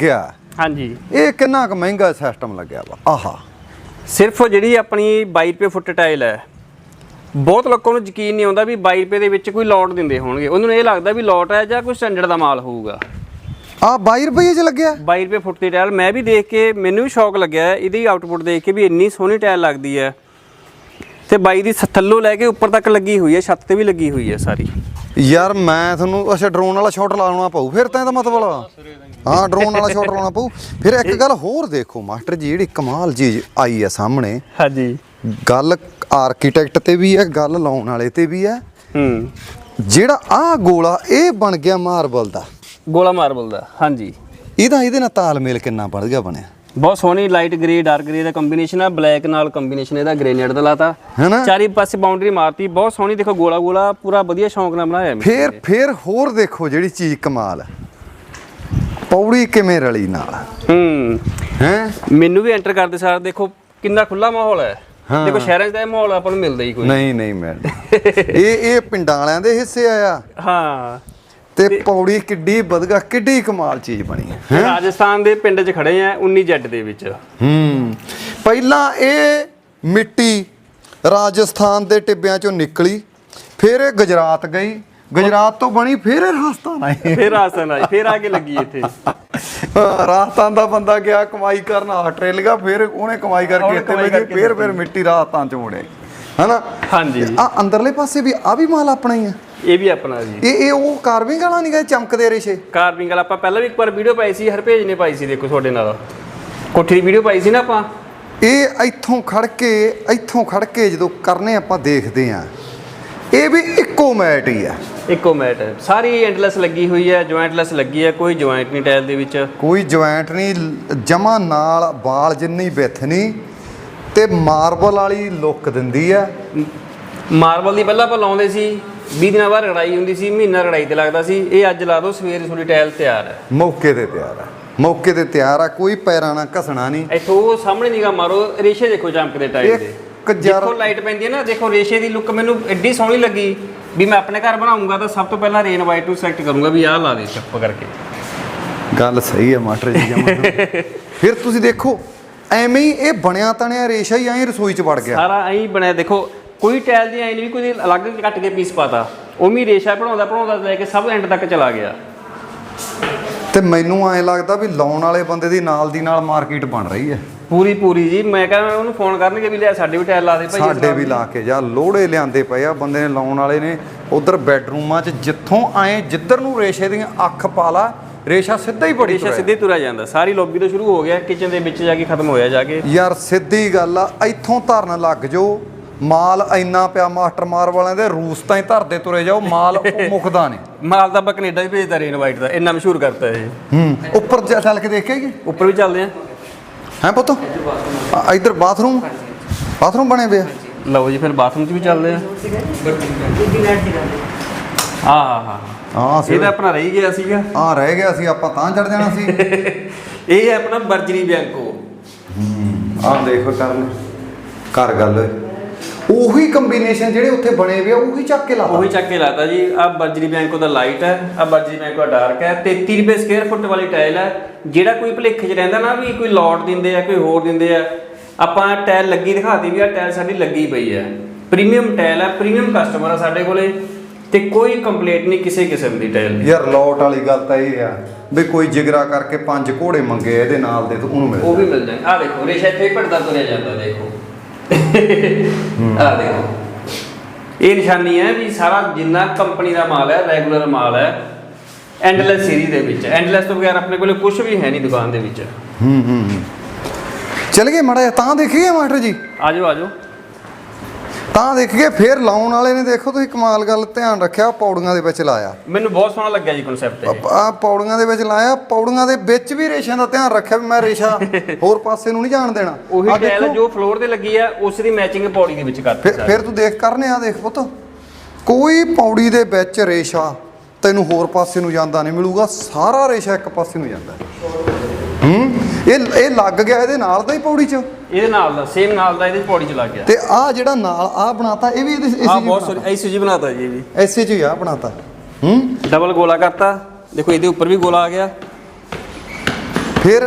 S3: ਹਾਂਜੀ
S1: ਇਹ ਕਿੰਨਾ ਕੁ ਮਹਿੰਗਾ ਸਿਸਟਮ ਲੱਗਿਆ ਵਾ ਆਹਾ
S3: ਸਿਰਫ ਜਿਹੜੀ ਆਪਣੀ ਬਾਈ ਰੁਪਏ ਫੁੱਟ ਟਾਇਲ ਹੈ, ਬਹੁਤ ਲੋਕਾਂ ਨੂੰ ਯਕੀਨ ਨਹੀਂ ਆਉਂਦਾ ਵੀ ਬਾਈ ਰੁਪਏ ਦੇ ਵਿੱਚ ਕੋਈ ਲੋਟ ਦਿੰਦੇ ਹੋਣਗੇ। ਉਹਨਾਂ ਨੂੰ ਇਹ ਲੱਗਦਾ ਵੀ ਲੋਟ ਹੈ ਜਾਂ ਕੋਈ ਸਟੈਂਡਰਡ ਦਾ ਮਾਲ ਹੋਊਗਾ।
S1: ਆ ਬਾਈ ਰੁਪਏ 'ਚ ਲੱਗਿਆ
S3: ਬਾਈ ਰੁਪਏ ਫੁੱਟ ਦੀ ਟਾਇਲ ਮੈਂ ਵੀ ਦੇਖ ਕੇ ਮੈਨੂੰ ਵੀ ਸ਼ੌਕ ਲੱਗਿਆ ਇਹਦੀ ਆਊਟਪੁੱਟ ਦੇਖ ਕੇ ਵੀ ਇੰਨੀ ਸੋਹਣੀ ਟਾਇਲ ਲੱਗਦੀ ਹੈ। ਤੇ ਬਾਈ ਦੀ ਥੱਲੋਂ ਲੈ ਕੇ ਉੱਪਰ ਤੱਕ ਲੱਗੀ ਹੋਈ ਹੈ, ਛੱਤ ਤੇ ਵੀ ਲੱਗੀ ਹੋਈ ਹੈ ਸਾਰੀ।
S1: ਯਾਰ ਮੈਂ ਤੁਹਾਨੂੰ ਅੱਛਾ ਡਰੋਨ ਵਾਲਾ ਸ਼ਾਟ ਲਾਉਣਾ ਪਊ ਫਿਰ ਤਾਂ ਇਹਦਾ ਮਤਲਬ ਹਾਂ ਡਰੋਨ ਵਾਲਾ ਸ਼ਾਟ ਲਾਉਣਾ ਪਊ। ਫਿਰ ਇੱਕ ਗੱਲ ਹੋਰ ਦੇਖੋ ਮਾਸਟਰ ਜੀ, ਜਿਹੜੀ ਕਮਾਲ ਚੀਜ਼ ਆਈ ਹੈ ਸਾਹਮਣੇ,
S3: ਹਾਂਜੀ
S1: ਗੱਲ ਆਰਕੀਟੈਕਟ ਤੇ ਵੀ ਹੈ, ਗੱਲ ਲਾਉਣ ਵਾਲੇ ਤੇ ਵੀ ਹੈ।
S3: ਹੂੰ
S1: ਜਿਹੜਾ ਆਹ ਗੋਲਾ ਇਹ ਬਣ ਗਿਆ ਮਾਰਬਲ ਦਾ,
S3: ਗੋਲਾ ਮਾਰਬਲ ਦਾ, ਹਾਂਜੀ
S1: ਇਹਦਾ ਇਹਦੇ ਨਾਲ ਤਾਲਮੇਲ ਕਿੰਨਾ ਵਧ ਗਿਆ ਬਣਿਆ।
S3: ਬਹੁਤ ਸੋਹਣੀ ਲਾਈਟ ਗ੍ਰੇ ਡਾਰਕ ਗ੍ਰੇ ਦਾ ਕੰਬੀਨੇਸ਼ਨ ਆ, ਬਲੈਕ ਨਾਲ ਕੰਬੀਨੇਸ਼ਨ ਇਹਦਾ ਗ੍ਰੇਨੇਡ ਦਾ ਲਾਤਾ,
S1: ਹੈਨਾ।
S3: ਚਾਰੇ ਪਾਸੇ ਬਾਉਂਡਰੀ ਮਾਰਤੀ, ਬਹੁਤ ਸੋਹਣੀ। ਦੇਖੋ ਗੋਲਾ ਗੋਲਾ ਪੂਰਾ ਵਧੀਆ ਸ਼ੌਂਕ ਨਾਲ ਬਣਾਇਆ ਮੈਂ।
S1: ਫਿਰ ਫਿਰ ਹੋਰ ਦੇਖੋ ਜਿਹੜੀ ਚੀਜ਼ ਕਮਾਲ ਹੈ, ਪੌੜੀ ਕਿਵੇਂ ਰਲੀ ਨਾਲ
S3: ਹੂੰ
S1: ਹੈ।
S3: ਮੈਨੂੰ ਵੀ ਐਂਟਰ ਕਰਦੇ ਸਾਰ ਦੇਖੋ ਕਿੰਨਾ ਖੁੱਲਾ ਮਾਹੌਲ ਹੈ। ਦੇਖੋ ਸ਼ਹਿਰਾਂ 'ਚ ਤਾਂ ਇਹ ਮਾਹੌਲ ਆਪਾਂ ਨੂੰ ਮਿਲਦਾ ਹੀ ਕੋਈ
S1: ਨਹੀਂ ਨਹੀਂ ਮੈਂ ਇਹ ਇਹ ਪਿੰਡਾਂ ਵਾਲਿਆਂ ਦੇ ਹਿੱਸੇ ਆਇਆ।
S3: ਹਾਂ
S1: ਤੇ ਪੌੜੀ ਕਿੱਡੀ ਵਧਗਾ, ਕਿੱਡੀ ਕਮਾਲ ਚੀਜ਼ ਬਣੀ ਹੈ।
S3: ਰਾਜਸਥਾਨ ਦੇ ਪਿੰਡ 'ਚ ਖੜੇ ਆ ਉੱਨੀ ਜੈਡ ਦੇ ਵਿੱਚ।
S1: ਹੂੰ ਪਹਿਲਾਂ ਇਹ ਮਿੱਟੀ ਰਾਜਸਥਾਨ ਦੇ ਟਿੱਬਿਆਂ ਚੋਂ ਨਿਕਲੀ, ਫਿਰ ਇਹ ਗੁਜਰਾਤ ਗਈ, ਗੁਜਰਾਤ ਤੋਂ ਬਣੀ, ਫਿਰ ਇਹ ਰਾਜਸਥਾਨ ਆਈ,
S3: ਫਿਰ ਰਾਜਸਥਾਨ ਆਈ, ਫਿਰ ਆ ਕੇ ਲੱਗੀ ਇੱਥੇ।
S1: ਰਾਜਸਥਾਨ ਦਾ ਬੰਦਾ ਗਿਆ ਕਮਾਈ ਕਰਨ ਆਸਟ੍ਰੇਲੀਆ, ਫਿਰ ਉਹਨੇ ਕਮਾਈ ਕਰਕੇ ਇੱਥੇ ਵੇਖੀ, ਫਿਰ ਫਿਰ ਮਿੱਟੀ ਰਾਜਸਥਾਨ ਚ ਮੋੜੇ, ਹਨਾ।
S3: ਹਾਂਜੀ
S1: ਆ ਅੰਦਰਲੇ ਪਾਸੇ ਵੀ ਆ ਵੀ ਮਾਲ ਆਪਣਾ ਹੀ ਆ,
S3: ਇਹ ਵੀ ਆਪਣਾ ਜੀ।
S1: ਇਹ ਇਹ ਉਹ ਕਾਰਵਿੰਗ ਵਾਲਾ ਨਹੀਂ ਗਾ ਚਮਕਦੇ ਰੇਸ਼ੇ।
S3: ਕਾਰਵਿੰਗ ਵਾਲਾ ਆਪਾਂ ਪਹਿਲਾਂ ਵੀ ਇੱਕ ਵਾਰ ਵੀਡੀਓ ਪਾਈ ਸੀ, ਹਰਪੇਜ ਨੇ ਪਾਈ ਸੀ, ਦੇਖੋ ਤੁਹਾਡੇ ਨਾਲ ਕੋਠੀ ਦੀ ਵੀਡੀਓ ਪਾਈ ਸੀ ਨਾ ਆਪਾਂ।
S1: ਇਹ ਇੱਥੋਂ ਖੜ ਕੇ ਇੱਥੋਂ ਖੜ ਕੇ ਜਦੋਂ ਕਰਨੇ ਆਪਾਂ ਦੇਖਦੇ ਆ, ਇਹ ਵੀ ਇੱਕੋ ਮੈਟ ਹੀ ਆ,
S3: ਇੱਕੋ ਮੈਟ ਹੈ, ਸਾਰੀ ਐਂਡਲੈਸ ਲੱਗੀ ਹੋਈ ਹੈ, ਜੁਆਇੰਟਲੈਸ ਲੱਗੀ ਹੈ, ਕੋਈ ਜੁਆਇੰਟ ਨਹੀਂ ਟਾਇਲ ਦੇ ਵਿੱਚ,
S1: ਕੋਈ ਜੁਆਇੰਟ ਨਹੀਂ, ਜਮਾ ਨਾਲ ਬਾਲ ਜਿੰਨੀ ਵਿੱਥ ਨਹੀਂ, ਤੇ ਮਾਰਬਲ ਵਾਲੀ ਲੁੱਕ ਦਿੰਦੀ ਆ।
S3: ਮਾਰਬਲ ਦੀ ਪਹਿਲਾਂ ਆਪਾਂ ਲਾਉਂਦੇ ਸੀ, ਵੀਹ ਦਿਨਾਂ ਬਾਅਦ ਰੜਾਈ ਹੁੰਦੀ ਸੀ, ਮਹੀਨਾ ਰੜਾਈ ਤੇ ਲੱਗਦਾ ਸੀ। ਇਹ ਅੱਜ ਲਾ ਦੋ, ਸਵੇਰੇ ਤੁਹਾਡੀ ਟਾਇਲ ਤਿਆਰ ਹੈ,
S1: ਮੌਕੇ ਤੇ ਤਿਆਰ ਆ, ਮੌਕੇ ਤੇ ਤਿਆਰ ਆ, ਕੋਈ ਪੈਰਾਂ ਨਾਲ ਘਸਣਾ ਨਹੀਂ।
S3: ਇੱਥੋਂ ਸਾਹਮਣੇ ਨਿਗਾਹ ਮਾਰੋ, ਰੇਸ਼ੇ ਦੇਖੋ ਚਮਕਦੇ ਟਾਇਲ ਦੇ,
S1: ਜਰ
S3: ਦੇਖੋ ਲਾਈਟ ਪੈਂਦੀ ਹੈ ਨਾ, ਦੇਖੋ ਰੇਸ਼ੇ ਦੀ ਲੁੱਕ ਮੈਨੂੰ ਐਡੀ ਸੋਹਣੀ ਲੱਗੀ ਵੀ ਮੈਂ ਆਪਣੇ ਘਰ ਬਣਾਉਂਗਾ ਤਾਂ ਸਭ ਤੋਂ ਪਹਿਲਾਂ ਰੇਨ ਵਾਈਟ ਨੂੰ ਸਿਲੈਕਟ ਕਰੂੰਗਾ ਵੀ ਆਹ ਲਾ ਦੇ ਚੱਪ ਕਰਕੇ।
S1: ਗੱਲ ਸਹੀ ਹੈ ਮਾਸਟਰ ਜੀ ਜਮਾਂ। ਫਿਰ ਤੁਸੀਂ ਦੇਖੋ ਐਵੇਂ ਹੀ ਇਹ ਬਣਿਆ ਤਣਿਆ ਰੇਸ਼ਾ ਹੀ ਐਂ ਰਸੋਈ ਚ ਵੜ ਗਿਆ,
S3: ਸਾਰਾ ਐਂ ਬਣਿਆ। ਦੇਖੋ ਕੋਈ ਟਾਇਲ ਦੀ ਐਂ ਨਹੀਂ ਵੀ ਕੋਈ ਅਲੱਗ ਕੱਟ ਕੇ ਪੀਸ ਪਾਤਾ, ਉਵੇਂ ਰੇਸ਼ਾ ਬਣਾਉਂਦਾ ਬਣਾਉਂਦਾ ਲੈ ਕੇ ਸਭ ਐਂਡ ਤੱਕ ਚਲਾ ਗਿਆ।
S1: ਤੇ ਮੈਨੂੰ ਐਂ ਲੱਗਦਾ ਵੀ ਲਾਉਣ ਵਾਲੇ ਬੰਦੇ ਦੀ ਨਾਲ ਦੀ ਨਾਲ ਮਾਰਕੀਟ ਬਣ ਰਹੀ ਹੈ
S3: ਪੂਰੀ ਪੂਰੀ ਜੀ। ਮੈਂ ਕਹਿੰਦਾ ਉਹਨੂੰ ਫੋਨ ਕਰਨਗੇ ਵੀ ਲਿਆ ਸਾਡੇ ਵੀ ਟਾਇਲ ਲਾ ਦੇ ਭਾਈ,
S1: ਸਾਡੇ ਵੀ ਲਾ ਕੇ ਜਾ, ਲੋੜੇ ਲਿਆਂਦੇ ਪਏ ਆ ਬੰਦੇ ਨੇ ਲਾਉਣ ਵਾਲੇ ਨੇ। ਉਧਰ ਬੈਡਰੂਮਾਂ 'ਚ ਜਿੱਥੋਂ ਆਏ ਜਿੱਧਰ ਨੂੰ ਰੇਸ਼ੇ ਦੀਆਂ ਅੱਖ ਪਾ ਲਾ, ਰੇਸ਼ਾ ਸਿੱਧਾ ਹੀ ਬੜੀ
S3: ਰੇਸ਼ਾ ਸਿੱਧੇ ਤੁਰਿਆ ਜਾਂਦਾ, ਸਾਰੀ ਲੌਬੀ ਤੋਂ ਸ਼ੁਰੂ ਹੋ ਗਿਆ, ਕਿਚਨ ਦੇ ਵਿੱਚ ਜਾ ਕੇ ਖਤਮ ਹੋਇਆ ਜਾ ਕੇ।
S1: ਯਾਰ ਸਿੱਧੀ ਗੱਲ ਆ, ਇੱਥੋਂ ਧਰਨ ਲੱਗ ਜਾਓ, ਮਾਲ ਇੰਨਾ ਪਿਆ ਮਾਸਟਰ ਮਾਰ ਵਾਲਿਆਂ ਦੇ, ਰੂਸ ਤਾਂ ਹੀ ਧਰਦੇ ਤੁਰੇ ਜਾਓ, ਮਾਲ ਮੁੱਕਦਾ ਨਹੀਂ।
S3: ਮਾਲ ਤਾਂ ਆਪਾਂ ਕੈਨੇਡਾ ਵੀ ਭੇਜਦਾ ਰੇਨ ਵਾਈਟ ਦਾ, ਇੰਨਾ ਮਸ਼ਹੂਰ ਕਰਤਾ ਇਹ।
S1: ਹੂੰ ਉੱਪਰ ਜਾ ਚੱਲ ਕੇ ਦੇਖੇਗੀ,
S3: ਉੱਪਰ ਵੀ ਚੱਲਦੇ ਆ
S1: ਹੈ ਪੁੱਤ। ਆ, ਇੱਧਰ ਬਾਥਰੂਮ ਬਾਥਰੂਮ ਬਣੇ ਵੇ ਆ।
S3: ਲਓ ਜੀ ਫਿਰ ਬਾਥਰੂਮ 'ਚ ਵੀ ਚੱਲਦੇ ਆ। ਹਾਂ ਹਾਂ ਹਾਂ
S1: ਹਾਂ
S3: ਇਹ ਤਾਂ ਆਪਣਾ ਰਹਿ ਗਿਆ ਸੀਗਾ,
S1: ਆ ਰਹਿ ਗਿਆ ਸੀ, ਆਪਾਂ ਤਾਂ ਚੜ ਜਾਣਾ ਸੀ।
S3: ਇਹ ਹੈ ਆਪਣਾ ਬਰਜਰੀ ਬੈਂਕੋ।
S1: ਆਹ ਦੇਖੋ ਕਰਨ ਕਰ ਗੱਲ, ਉਹੀ ਕੰਬੀਨੇਸ਼ਨ ਜਿਹੜੇ ਉੱਥੇ ਬਣੇ ਵੇ ਆ ਉਹੀ ਚੱਕ ਕੇ ਲਾਤਾ।
S3: ਉਹੀ ਚੱਕ ਕੇ ਲਾਤਾ ਜੀ। ਆ ਬਰਜਰੀ ਬੈਂਕੋ ਦਾ ਲਾਈਟ ਹੈ, ਆ ਬਰਜਰੀ ਬੈਂਕੋ ਦਾ ਡਾਰਕ ਹੈ। ਤੇਤੀ ਰੁਪਏ ਸਕੁਅਰ ਫੁੱਟ ਵਾਲੀ ਟਾਇਲ ਹੈ। ਜਿਹੜਾ ਕੋਈ ਭੁਲੇਖੇ 'ਚ ਰਹਿੰਦਾ ਨਾ ਵੀ ਕੋਈ ਲੋਟ ਦਿੰਦੇ ਆ ਕੋਈ ਹੋਰ ਦਿੰਦੇ ਆ, ਆਪਾਂ ਟਾਇਲ ਲੱਗੀ ਦਿਖਾਤੀ ਵੀ ਆ ਟਾਇਲ ਸਾਡੀ ਲੱਗੀ ਪਈ ਹੈ, ਪ੍ਰੀਮੀਅਮ ਟਾਇਲ ਹੈ, ਪ੍ਰੀਮੀਅਮ ਕਸਟਮਰ ਆ ਸਾਡੇ ਕੋਲੇ, ਤੇ ਕੋਈ ਕੰਪਲੇਂਟ ਨਹੀਂ ਕਿਸੇ ਕਿਸਮ ਦੀ ਟਾਇਲ ਦੀ।
S1: ਯਾਰ ਲੋਟ ਵਾਲੀ ਗੱਲ ਤਾਂ ਇਹ ਆ ਵੀ ਕੋਈ ਜਿਗਰਾ ਕਰਕੇ ਪੰਜ ਘੋੜੇ ਮੰਗੇ ਇਹਦੇ ਨਾਲ ਦੇ, ਉਹਨੂੰ ਮਿਲ
S3: ਉਹ ਵੀ ਮਿਲ ਜਾਣਗੇ। ਆ ਦੇਖੋ ਰੇਸ਼ਾ ਇੱਥੇ ਹੀ ਭੜਦਾ ਤੁਰਿਆ ਜਾਂਦਾ, ਦੇਖੋ ਆ ਦੇਖੋ, ਇਹ ਨਿਸ਼ਾਨੀ ਹੈ ਵੀ ਸਾਰਾ ਜਿੰਨਾ ਕੰਪਨੀ ਦਾ ਮਾਲ ਹੈ ਰੈਗੂਲਰ ਮਾਲ ਹੈ ਐਂਡਲੈਸ ਸੀਰੀਜ਼ ਦੇ ਵਿੱਚ। ਐਂਡਲੈਸ ਤੋਂ ਬਗੈਰ ਆਪਣੇ ਕੋਲੇ ਕੁਝ ਵੀ ਹੈ ਨਹੀਂ ਦੁਕਾਨ ਦੇ ਵਿੱਚ।
S1: ਹੂੰ ਹੂੰ ਚਲ ਗਏ ਮਾੜਾ ਜਿਹਾ ਤਾਂ ਦੇਖੀਏ ਮਾਸਟਰ ਜੀ,
S3: ਆਜੋ ਆਜੋ
S1: ਤਾਂ ਦੇਖੀਏ। ਫਿਰ ਲਾਉਣ ਵਾਲੇ ਨੇ ਦੇਖੋ ਤੁਸੀਂ ਕਮਾਲ ਗੱਲ ਧਿਆਨ ਰੱਖਿਆ, ਪੌੜੀਆਂ ਦੇ ਵਿੱਚ ਲਾਇਆ।
S3: ਮੈਨੂੰ ਬਹੁਤ ਸੋਹਣਾ ਲੱਗਿਆ ਜੀ ਕਨਸੈਪਟ।
S1: ਆ ਪੌੜੀਆਂ ਦੇ ਵਿੱਚ ਲਾਇਆ, ਪੌੜੀਆਂ ਦੇ ਵਿੱਚ ਵੀ ਰੇਸ਼ਿਆਂ ਦਾ ਧਿਆਨ ਰੱਖਿਆ ਵੀ ਮੈਂ ਰੇਸ਼ਾ ਹੋਰ ਪਾਸੇ ਨੂੰ ਨਹੀਂ ਜਾਣ ਦੇਣਾ।
S3: ਉਹੀ ਟਾਇਲ ਜੋ ਫਲੋਰ ਤੇ ਲੱਗੀ ਆ ਉਸ ਦੀ ਮੈਚਿੰਗ ਪੌੜੀ ਦੇ ਵਿੱਚ ਕਰਤੀ।
S1: ਫਿਰ ਫਿਰ ਤੂੰ ਦੇਖ ਕਰਨੇ ਆ, ਦੇਖ ਪੁੱਤ ਕੋਈ ਪੌੜੀ ਦੇ ਵਿੱਚ ਰੇਸ਼ਾ ਤੈਨੂੰ ਹੋਰ ਪਾਸੇ ਨੂੰ ਜਾਂਦਾ ਨਹੀਂ ਮਿਲੂਗਾ, ਸਾਰਾ ਰੇਸ਼ਾ ਇੱਕ ਪਾਸੇ ਨੂੰ ਜਾਂਦਾ। ਹੂੰ ਇਹ ਇਹ ਲੱਗ ਗਿਆ ਇਹਦੇ ਨਾਲ ਦਾ ਹੀ ਪੌੜੀ 'ਚ,
S3: ਇਹਦੇ ਨਾਲ ਦਾ ਸੇਮ ਨਾਲ ਦਾ ਇਹਦੇ ਪੌੜੀ 'ਚ ਲੱਗ ਗਿਆ।
S1: ਤੇ ਆ ਜਿਹੜਾ ਨਾਲ ਆ ਬਣਾਤਾ ਇਹ ਵੀ ਇਹਦੇ
S3: ਆ ਬਹੁਤ ਸੋਹਣੀ ਐਸੀ ਜੀ ਬਣਾਤਾ ਜੀ, ਇਹ ਵੀ
S1: ਐਸੇ 'ਚ ਹੀ ਆ ਬਣਾਤਾ। ਹੂੰ
S3: ਡਬਲ ਗੋਲਾ ਕਰਤਾ, ਦੇਖੋ ਇਹਦੇ ਉੱਪਰ ਵੀ ਗੋਲਾ ਆ ਗਿਆ।
S1: ਫਿਰ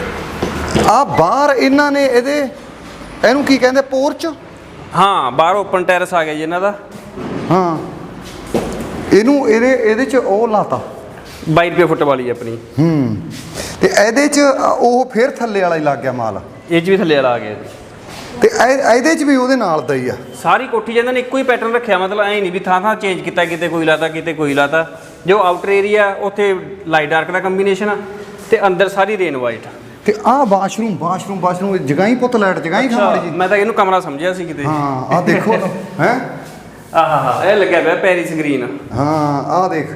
S1: ਆ ਬਾਹਰ ਇਹਨਾਂ ਨੇ ਇਹਦੇ ਇਹਨੂੰ ਕੀ ਕਹਿੰਦੇ ਪੋਰਚ?
S3: ਹਾਂ ਬਾਹਰ ਓਪਨ ਟੈਰਸ ਆ ਗਿਆ ਜੀ ਇਹਨਾਂ ਦਾ।
S1: ਹਾਂ ਇਹਨੂੰ ਇਹਦੇ ਇਹਦੇ ਚ ਉਹ ਲਾਤਾ
S3: ਬਾਈ ਰੁਪਏ ਫੁੱਟ ਵਾਲੀ ਆਪਣੀ।
S1: ਹੂੰ ਤੇ ਇਹਦੇ ਚ ਉਹ ਫਿਰ ਥੱਲੇ ਵਾਲਾ ਹੀ ਲੱਗ ਗਿਆ ਮਾਲ।
S3: ਇਹ 'ਚ ਵੀ ਥੱਲੇ ਵਾਲਾ ਆ ਗਿਆ ਜੀ।
S1: ਤੇ ਇਹ- ਇਹਦੇ ਚ ਵੀ ਉਹਦੇ ਨਾਲ ਦਾ ਹੀ ਆ।
S3: ਸਾਰੀ ਕੋਠੀ ਜਿਹਨਾਂ ਨੇ ਇੱਕੋ ਹੀ ਪੈਟਰਨ ਰੱਖਿਆ, ਮਤਲਬ ਐਂ ਨਹੀਂ ਵੀ ਥਾਂ ਥਾਂ ਚੇਂਜ ਕੀਤਾ, ਕਿਤੇ ਕੋਈ ਲਾਤਾ ਕਿਤੇ ਕੋਈ ਲਾਤਾ। ਜੋ ਆਊਟਰ ਏਰੀਆ ਉੱਥੇ ਲਾਈਟ ਡਾਰਕ ਦਾ ਕੰਬੀਨੇਸ਼ਨ ਤੇ ਅੰਦਰ ਸਾਰੀ ਰੇਨ ਵਾਈਟ।
S1: ਤੇ ਆਹ ਵਾਸ਼ਰੂਮ ਵਾਸ਼ਰੂਮ ਵਾਸ਼ਰੂਮ ਜਗ੍ਹਾ ਹੀ ਪੁੱਤ ਲਾਈਟ ਜਗ੍ਹਾ ਹੀ ਖਾਣੀ ਜੀ।
S3: ਮੈਂ ਤਾਂ ਇਹਨੂੰ ਕਮਰਾ ਸਮਝਿਆ ਸੀ ਕਿਤੇ।
S1: ਹਾਂ ਆਹ ਦੇਖੋ ਹੈ।
S3: ਆਹਾ ਹਾ ਇਹ ਲੱਗਿਆ ਪਿਆ ਪੈਰਿਸ ਗ੍ਰੀਨ।
S1: ਹਾਂ ਆਹ ਦੇਖ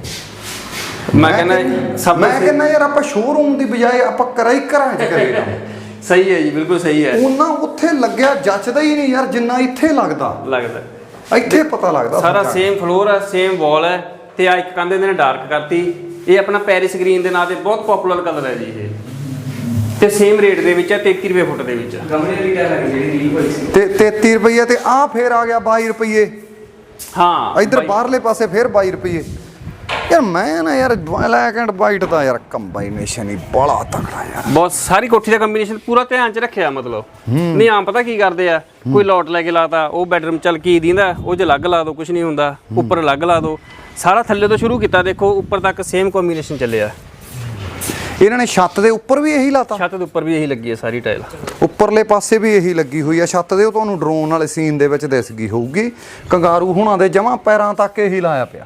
S3: ਮੈਂ ਕਹਿੰਦਾ ਸਭ
S1: ਮੈਂ ਕਹਿੰਦਾ ਯਾਰ ਆਪਾਂ ਸ਼ੋਰੂਮ ਦੀ ਬਜਾਏ ਆਪਾਂ ਕਰਾ ਹੀ ਘਰਾਂ 'ਚ ਕਰੀਏ।
S3: ਸਹੀ ਹੈ ਜੀ, ਬਿਲਕੁਲ ਸਹੀ ਹੈ।
S1: ਉਹਨਾਂ ਉੱਥੇ ਲੱਗਿਆ ਜੱਚਦਾ ਹੀ ਨਹੀਂ ਯਾਰ ਜਿੰਨਾ ਇੱਥੇ ਲੱਗਦਾ।
S3: ਲੱਗਦਾ
S1: ਇੱਥੇ ਪਤਾ ਲੱਗਦਾ
S3: ਸਾਰਾ ਸੇਮ ਫਲੋਰ ਹੈ, ਸੇਮ ਵਾਲ ਹੈ ਤੇ ਆ ਇੱਕ ਕੰਧ ਇਹਨੇ ਡਾਰਕ ਕਰਤੀ। ਇਹ ਆਪਣਾ ਪੈਰਿਸ ਗ੍ਰੀਨ ਦੇ ਨਾਂ ਤੇ ਬਹੁਤ ਪਪੂਲਰ ਕਲਰ ਹੈ ਜੀ ਇਹ, ਤੇ ਸੇਮ ਰੇਟ ਦੇ ਵਿੱਚ ਹੈ, ਤੇਤੀ ਰੁਪਏ ਫੁੱਟ ਦੇ ਵਿੱਚ। ਗਮਲੇ ਦੀ ਟਾਇਲ ਹੈ ਜਿਹੜੀ ਲੀਕ ਹੋਈ ਸੀ
S1: ਤੇ ਤੇਤੀ ਰੁਪਏ ਤੇ ਆਹ ਫੇਰ ਆ ਗਿਆ ਬਾਈ ਰੁਪਏ।
S3: ਹਾਂ
S1: ਇੱਧਰ ਬਾਹਰਲੇ ਪਾਸੇ ਫੇਰ ਬਾਈ ਰੁਪਏ। ਯਾਰ ਮੈਂ ਨਾ ਯਾਰ ਬਲੈਕ ਐਂਡ ਵਾਈਟ ਦਾ ਯਾਰ ਕੰਬਾਈਨੇਸ਼ਨ ਹੀ ਬੜਾ ਤਕੜਾ ਯਾਰ।
S3: ਬਹੁਤ ਸਾਰੀ ਕੋਠੀ ਦਾ ਕੰਬੀਨੇਸ਼ਨ ਪੂਰਾ ਧਿਆਨ 'ਚ ਰੱਖਿਆ। ਮਤਲਬ ਨਹੀਂ ਆਮ ਪਤਾ ਕੀ ਕਰਦੇ ਆ, ਕੋਈ ਲੋਟ ਲੈ ਕੇ ਲਾਤਾ ਉਹ ਬੈਡਰੂਮ ਚੱਲ ਕੀ ਦਿੰਦਾ ਉਹ 'ਚ ਅਲੱਗ ਲਾ ਦੋ, ਕੁਝ ਨਹੀਂ ਹੁੰਦਾ, ਉੱਪਰ ਅਲੱਗ ਲਾ ਦੋ। ਸਾਰਾ ਥੱਲੇ ਤੋਂ ਸ਼ੁਰੂ ਕੀਤਾ, ਦੇਖੋ ਉੱਪਰ ਤੱਕ ਸੇਮ ਕੰਬੀਨੇਸ਼ਨ ਚੱਲਿਆ।
S1: ਇਹਨਾਂ ਨੇ ਛੱਤ ਦੇ ਉੱਪਰ ਵੀ ਇਹੀ ਲਾਤਾ।
S3: ਛੱਤ ਦੇ ਉੱਪਰ ਵੀ ਇਹੀ ਲੱਗੀ ਹੈ ਸਾਰੀ ਟਾਇਲ।
S1: ਉੱਪਰਲੇ ਪਾਸੇ ਵੀ ਇਹੀ ਲੱਗੀ ਹੋਈ ਆ ਛੱਤ ਦੇ। ਉਹ ਤੁਹਾਨੂੰ ਡਰੋਨ ਵਾਲੇ ਸੀਨ ਦੇ ਵਿੱਚ ਦਿਸ ਗਈ ਹੋਊਗੀ। ਕੰਗਾਰੂ ਹੁਣਾਂ ਦੇ ਜਮਾਂ ਪੈਰਾਂ ਤੱਕ ਇਹੀ ਲਾਇਆ ਪਿਆ।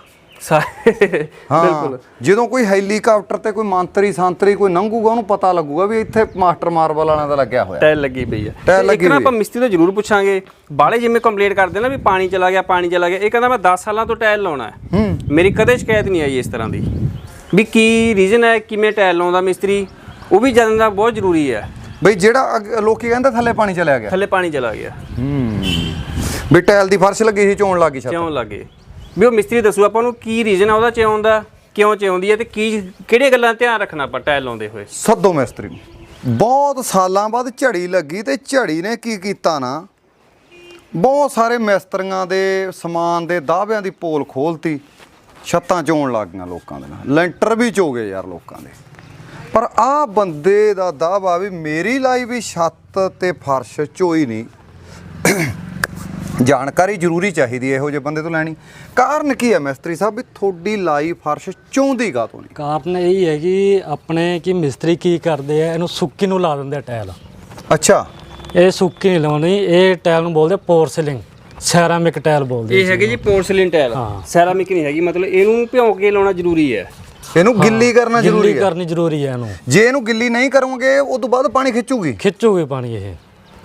S3: ਬਿਲਕੁਲ।
S1: ਜਦੋਂ ਕੋਈ ਹੈਲੀਕਾਪਟਰ ਤੇ ਕੋਈ ਮੰਤਰੀ ਸੰਤਰੀ ਕੋਈ ਲੰਘੂਗਾ ਉਹਨੂੰ ਪਤਾ ਲੱਗੂਗਾ ਵੀ ਇੱਥੇ ਮਾਸਟਰ ਮਾਰਬਲ ਵਾਲਿਆਂ ਦਾ ਲੱਗਿਆ ਹੋਇਆ
S3: ਟਾਇਲ ਲੱਗੀ ਪਈ ਹੈ।
S1: ਟਾਇਲ ਲੱਗੀ
S3: ਇੱਕ ਨਾ
S1: ਹੋਈ
S3: ਆਪਾਂ ਮਿਸਤਰੀ ਤੋਂ ਜ਼ਰੂਰ ਪੁੱਛਾਂਗੇ, ਬਾਲੇ ਜਿਵੇਂ ਕੰਪਲੀਟ ਕਰਦੇ ਨਾ ਵੀ ਪਾਣੀ ਚਲਾ ਗਿਆ ਪਾਣੀ ਚਲਾ ਗਿਆ। ਇਹ ਕਹਿੰਦਾ ਮੈਂ ਦਸ ਸਾਲਾਂ ਤੋਂ ਟਾਇਲ ਲਾਉਣਾ ਹੈ, ਮੇਰੀ ਕਦੇ ਸ਼ਿਕਾਇਤ ਨਹੀਂ ਆਈ ਇਸ ਤਰ੍ਹਾਂ ਦੀ। ਵੀ ਕੀ ਰੀਜ਼ਨ ਹੈ ਕਿਵੇਂ ਟਾਇਲ ਲਾਉਂਦਾ ਮਿਸਤਰੀ, ਉਹ ਵੀ ਜਾਣਨਾ ਬਹੁਤ ਜ਼ਰੂਰੀ ਹੈ।
S1: ਬਈ ਜਿਹੜਾ ਅੱਗ- ਲੋਕੀ ਕਹਿੰਦੇ ਥੱਲੇ ਪਾਣੀ ਚਲਿਆ ਗਿਆ।
S3: ਥੱਲੇ ਪਾਣੀ ਚਲਾ ਗਿਆ
S1: ਵੀ ਟਾਇਲ ਦੀ ਫਰਸ਼ ਲੱਗੀ ਸੀ ਚੋਣ ਲੱਗੀ ਛੱਤ।
S3: ਕਿਉਂ ਲੱਗੇ, ਵੀ ਉਹ ਮਿਸਤਰੀ ਦੱਸੂ ਆਪਾਂ ਨੂੰ ਕੀ ਰੀਜ਼ਨ ਆ ਉਹਦਾ ਚਿਉਣ ਦਾ, ਕਿਉਂ ਚਿਉਂਦੀ ਹੈ ਤੇ ਕੀ ਕਿਹੜੀਆਂ ਗੱਲਾਂ ਧਿਆਨ ਰੱਖਣਾ ਆਪਾਂ ਟਾਇਲ ਲਾਉਂਦੇ ਹੋਏ।
S1: ਸੱਦੋ ਮਿਸਤਰੀ ਨੂੰ। ਬਹੁਤ ਸਾਲਾਂ ਬਾਅਦ ਝੜੀ ਲੱਗੀ ਤੇ ਝੜੀ ਨੇ ਕੀ ਕੀਤਾ ਨਾ, ਬਹੁਤ ਸਾਰੇ ਮਿਸਤਰੀਆਂ ਦੇ ਸਮਾਨ ਦੇ ਦਾਅਵਿਆਂ ਦੀ ਪੋਲ ਖੋਲਤੀ। ਛੱਤਾਂ ਚੋਣ ਲੱਗ ਗਈਆਂ ਲੋਕਾਂ ਦੇ ਨਾਲ, ਲੈਂਟਰ ਵੀ ਚੋ ਗਏ ਯਾਰ ਲੋਕਾਂ ਦੇ। ਪਰ ਆਹ ਬੰਦੇ ਦਾ ਦਾਅਵਾ ਵੀ ਮੇਰੀ ਲਾਈ ਵੀ ਛੱਤ ਤੇ ਫਰਸ਼ ਚੋਈ ਨਹੀਂ। ਜਾਣਕਾਰੀ ਜ਼ਰੂਰੀ ਚਾਹੀਦੀ ਹੈ ਇਹੋ ਜਿਹੇ ਬੰਦੇ ਤੋਂ ਲੈਣੀ। ਕਾਰਨ ਕੀ ਹੈ ਮਿਸਤਰੀ ਸਾਹਿਬ ਵੀ ਤੁਹਾਡੀ ਲਾਈ ਫਰਸ਼ ਚੋਂਦੀ ਕਾਹਤੋਂ ਨਹੀਂ?
S2: ਕਾਰਨ ਇਹ ਹੈ ਕਿ ਆਪਣੇ ਕਿ ਮਿਸਤਰੀ ਕੀ ਕਰਦੇ ਆ, ਇਹਨੂੰ ਸੁੱਕੀ ਨੂੰ ਲਾ ਦਿੰਦੇ ਆ ਟਾਇਲ।
S1: ਅੱਛਾ
S2: ਇਹ ਸੁੱਕੀ ਨਹੀਂ ਲਾਉਣੀ, ਇਹ ਟਾਇਲ ਨੂੰ ਬੋਲਦੇ ਪੋਰਸਲਿੰਗ, ਸੈਰਾਮਿਕ ਟਾਇਲ ਬੋਲਦੇ।
S3: ਇਹ ਹੈਗੀ ਜੀ ਪੋਰਸਲਿਨ ਟਾਇਲ, ਸੈਰਾਮਿਕ ਨਹੀਂ ਹੈਗੀ। ਮਤਲਬ ਇਹਨੂੰ ਭਿਉਂ ਕੇ ਲਾਉਣਾ ਜ਼ਰੂਰੀ ਹੈ,
S1: ਇਹਨੂੰ ਗਿੱਲੀ ਕਰਨਾ ਜ਼ਰੂਰੀ
S2: ਗਿੱਲੀ
S1: ਹੈ।
S2: ਕਰਨੀ ਜ਼ਰੂਰੀ ਹੈ ਇਹਨੂੰ।
S1: ਜੇ ਇਹਨੂੰ ਗਿੱਲੀ ਨਹੀਂ ਕਰੋਗੇ ਉਸ ਤੋਂ ਬਾਅਦ ਪਾਣੀ ਖਿੱਚੂਗੀ।
S2: ਖਿੱਚੂਗੀ ਪਾਣੀ ਇਹ।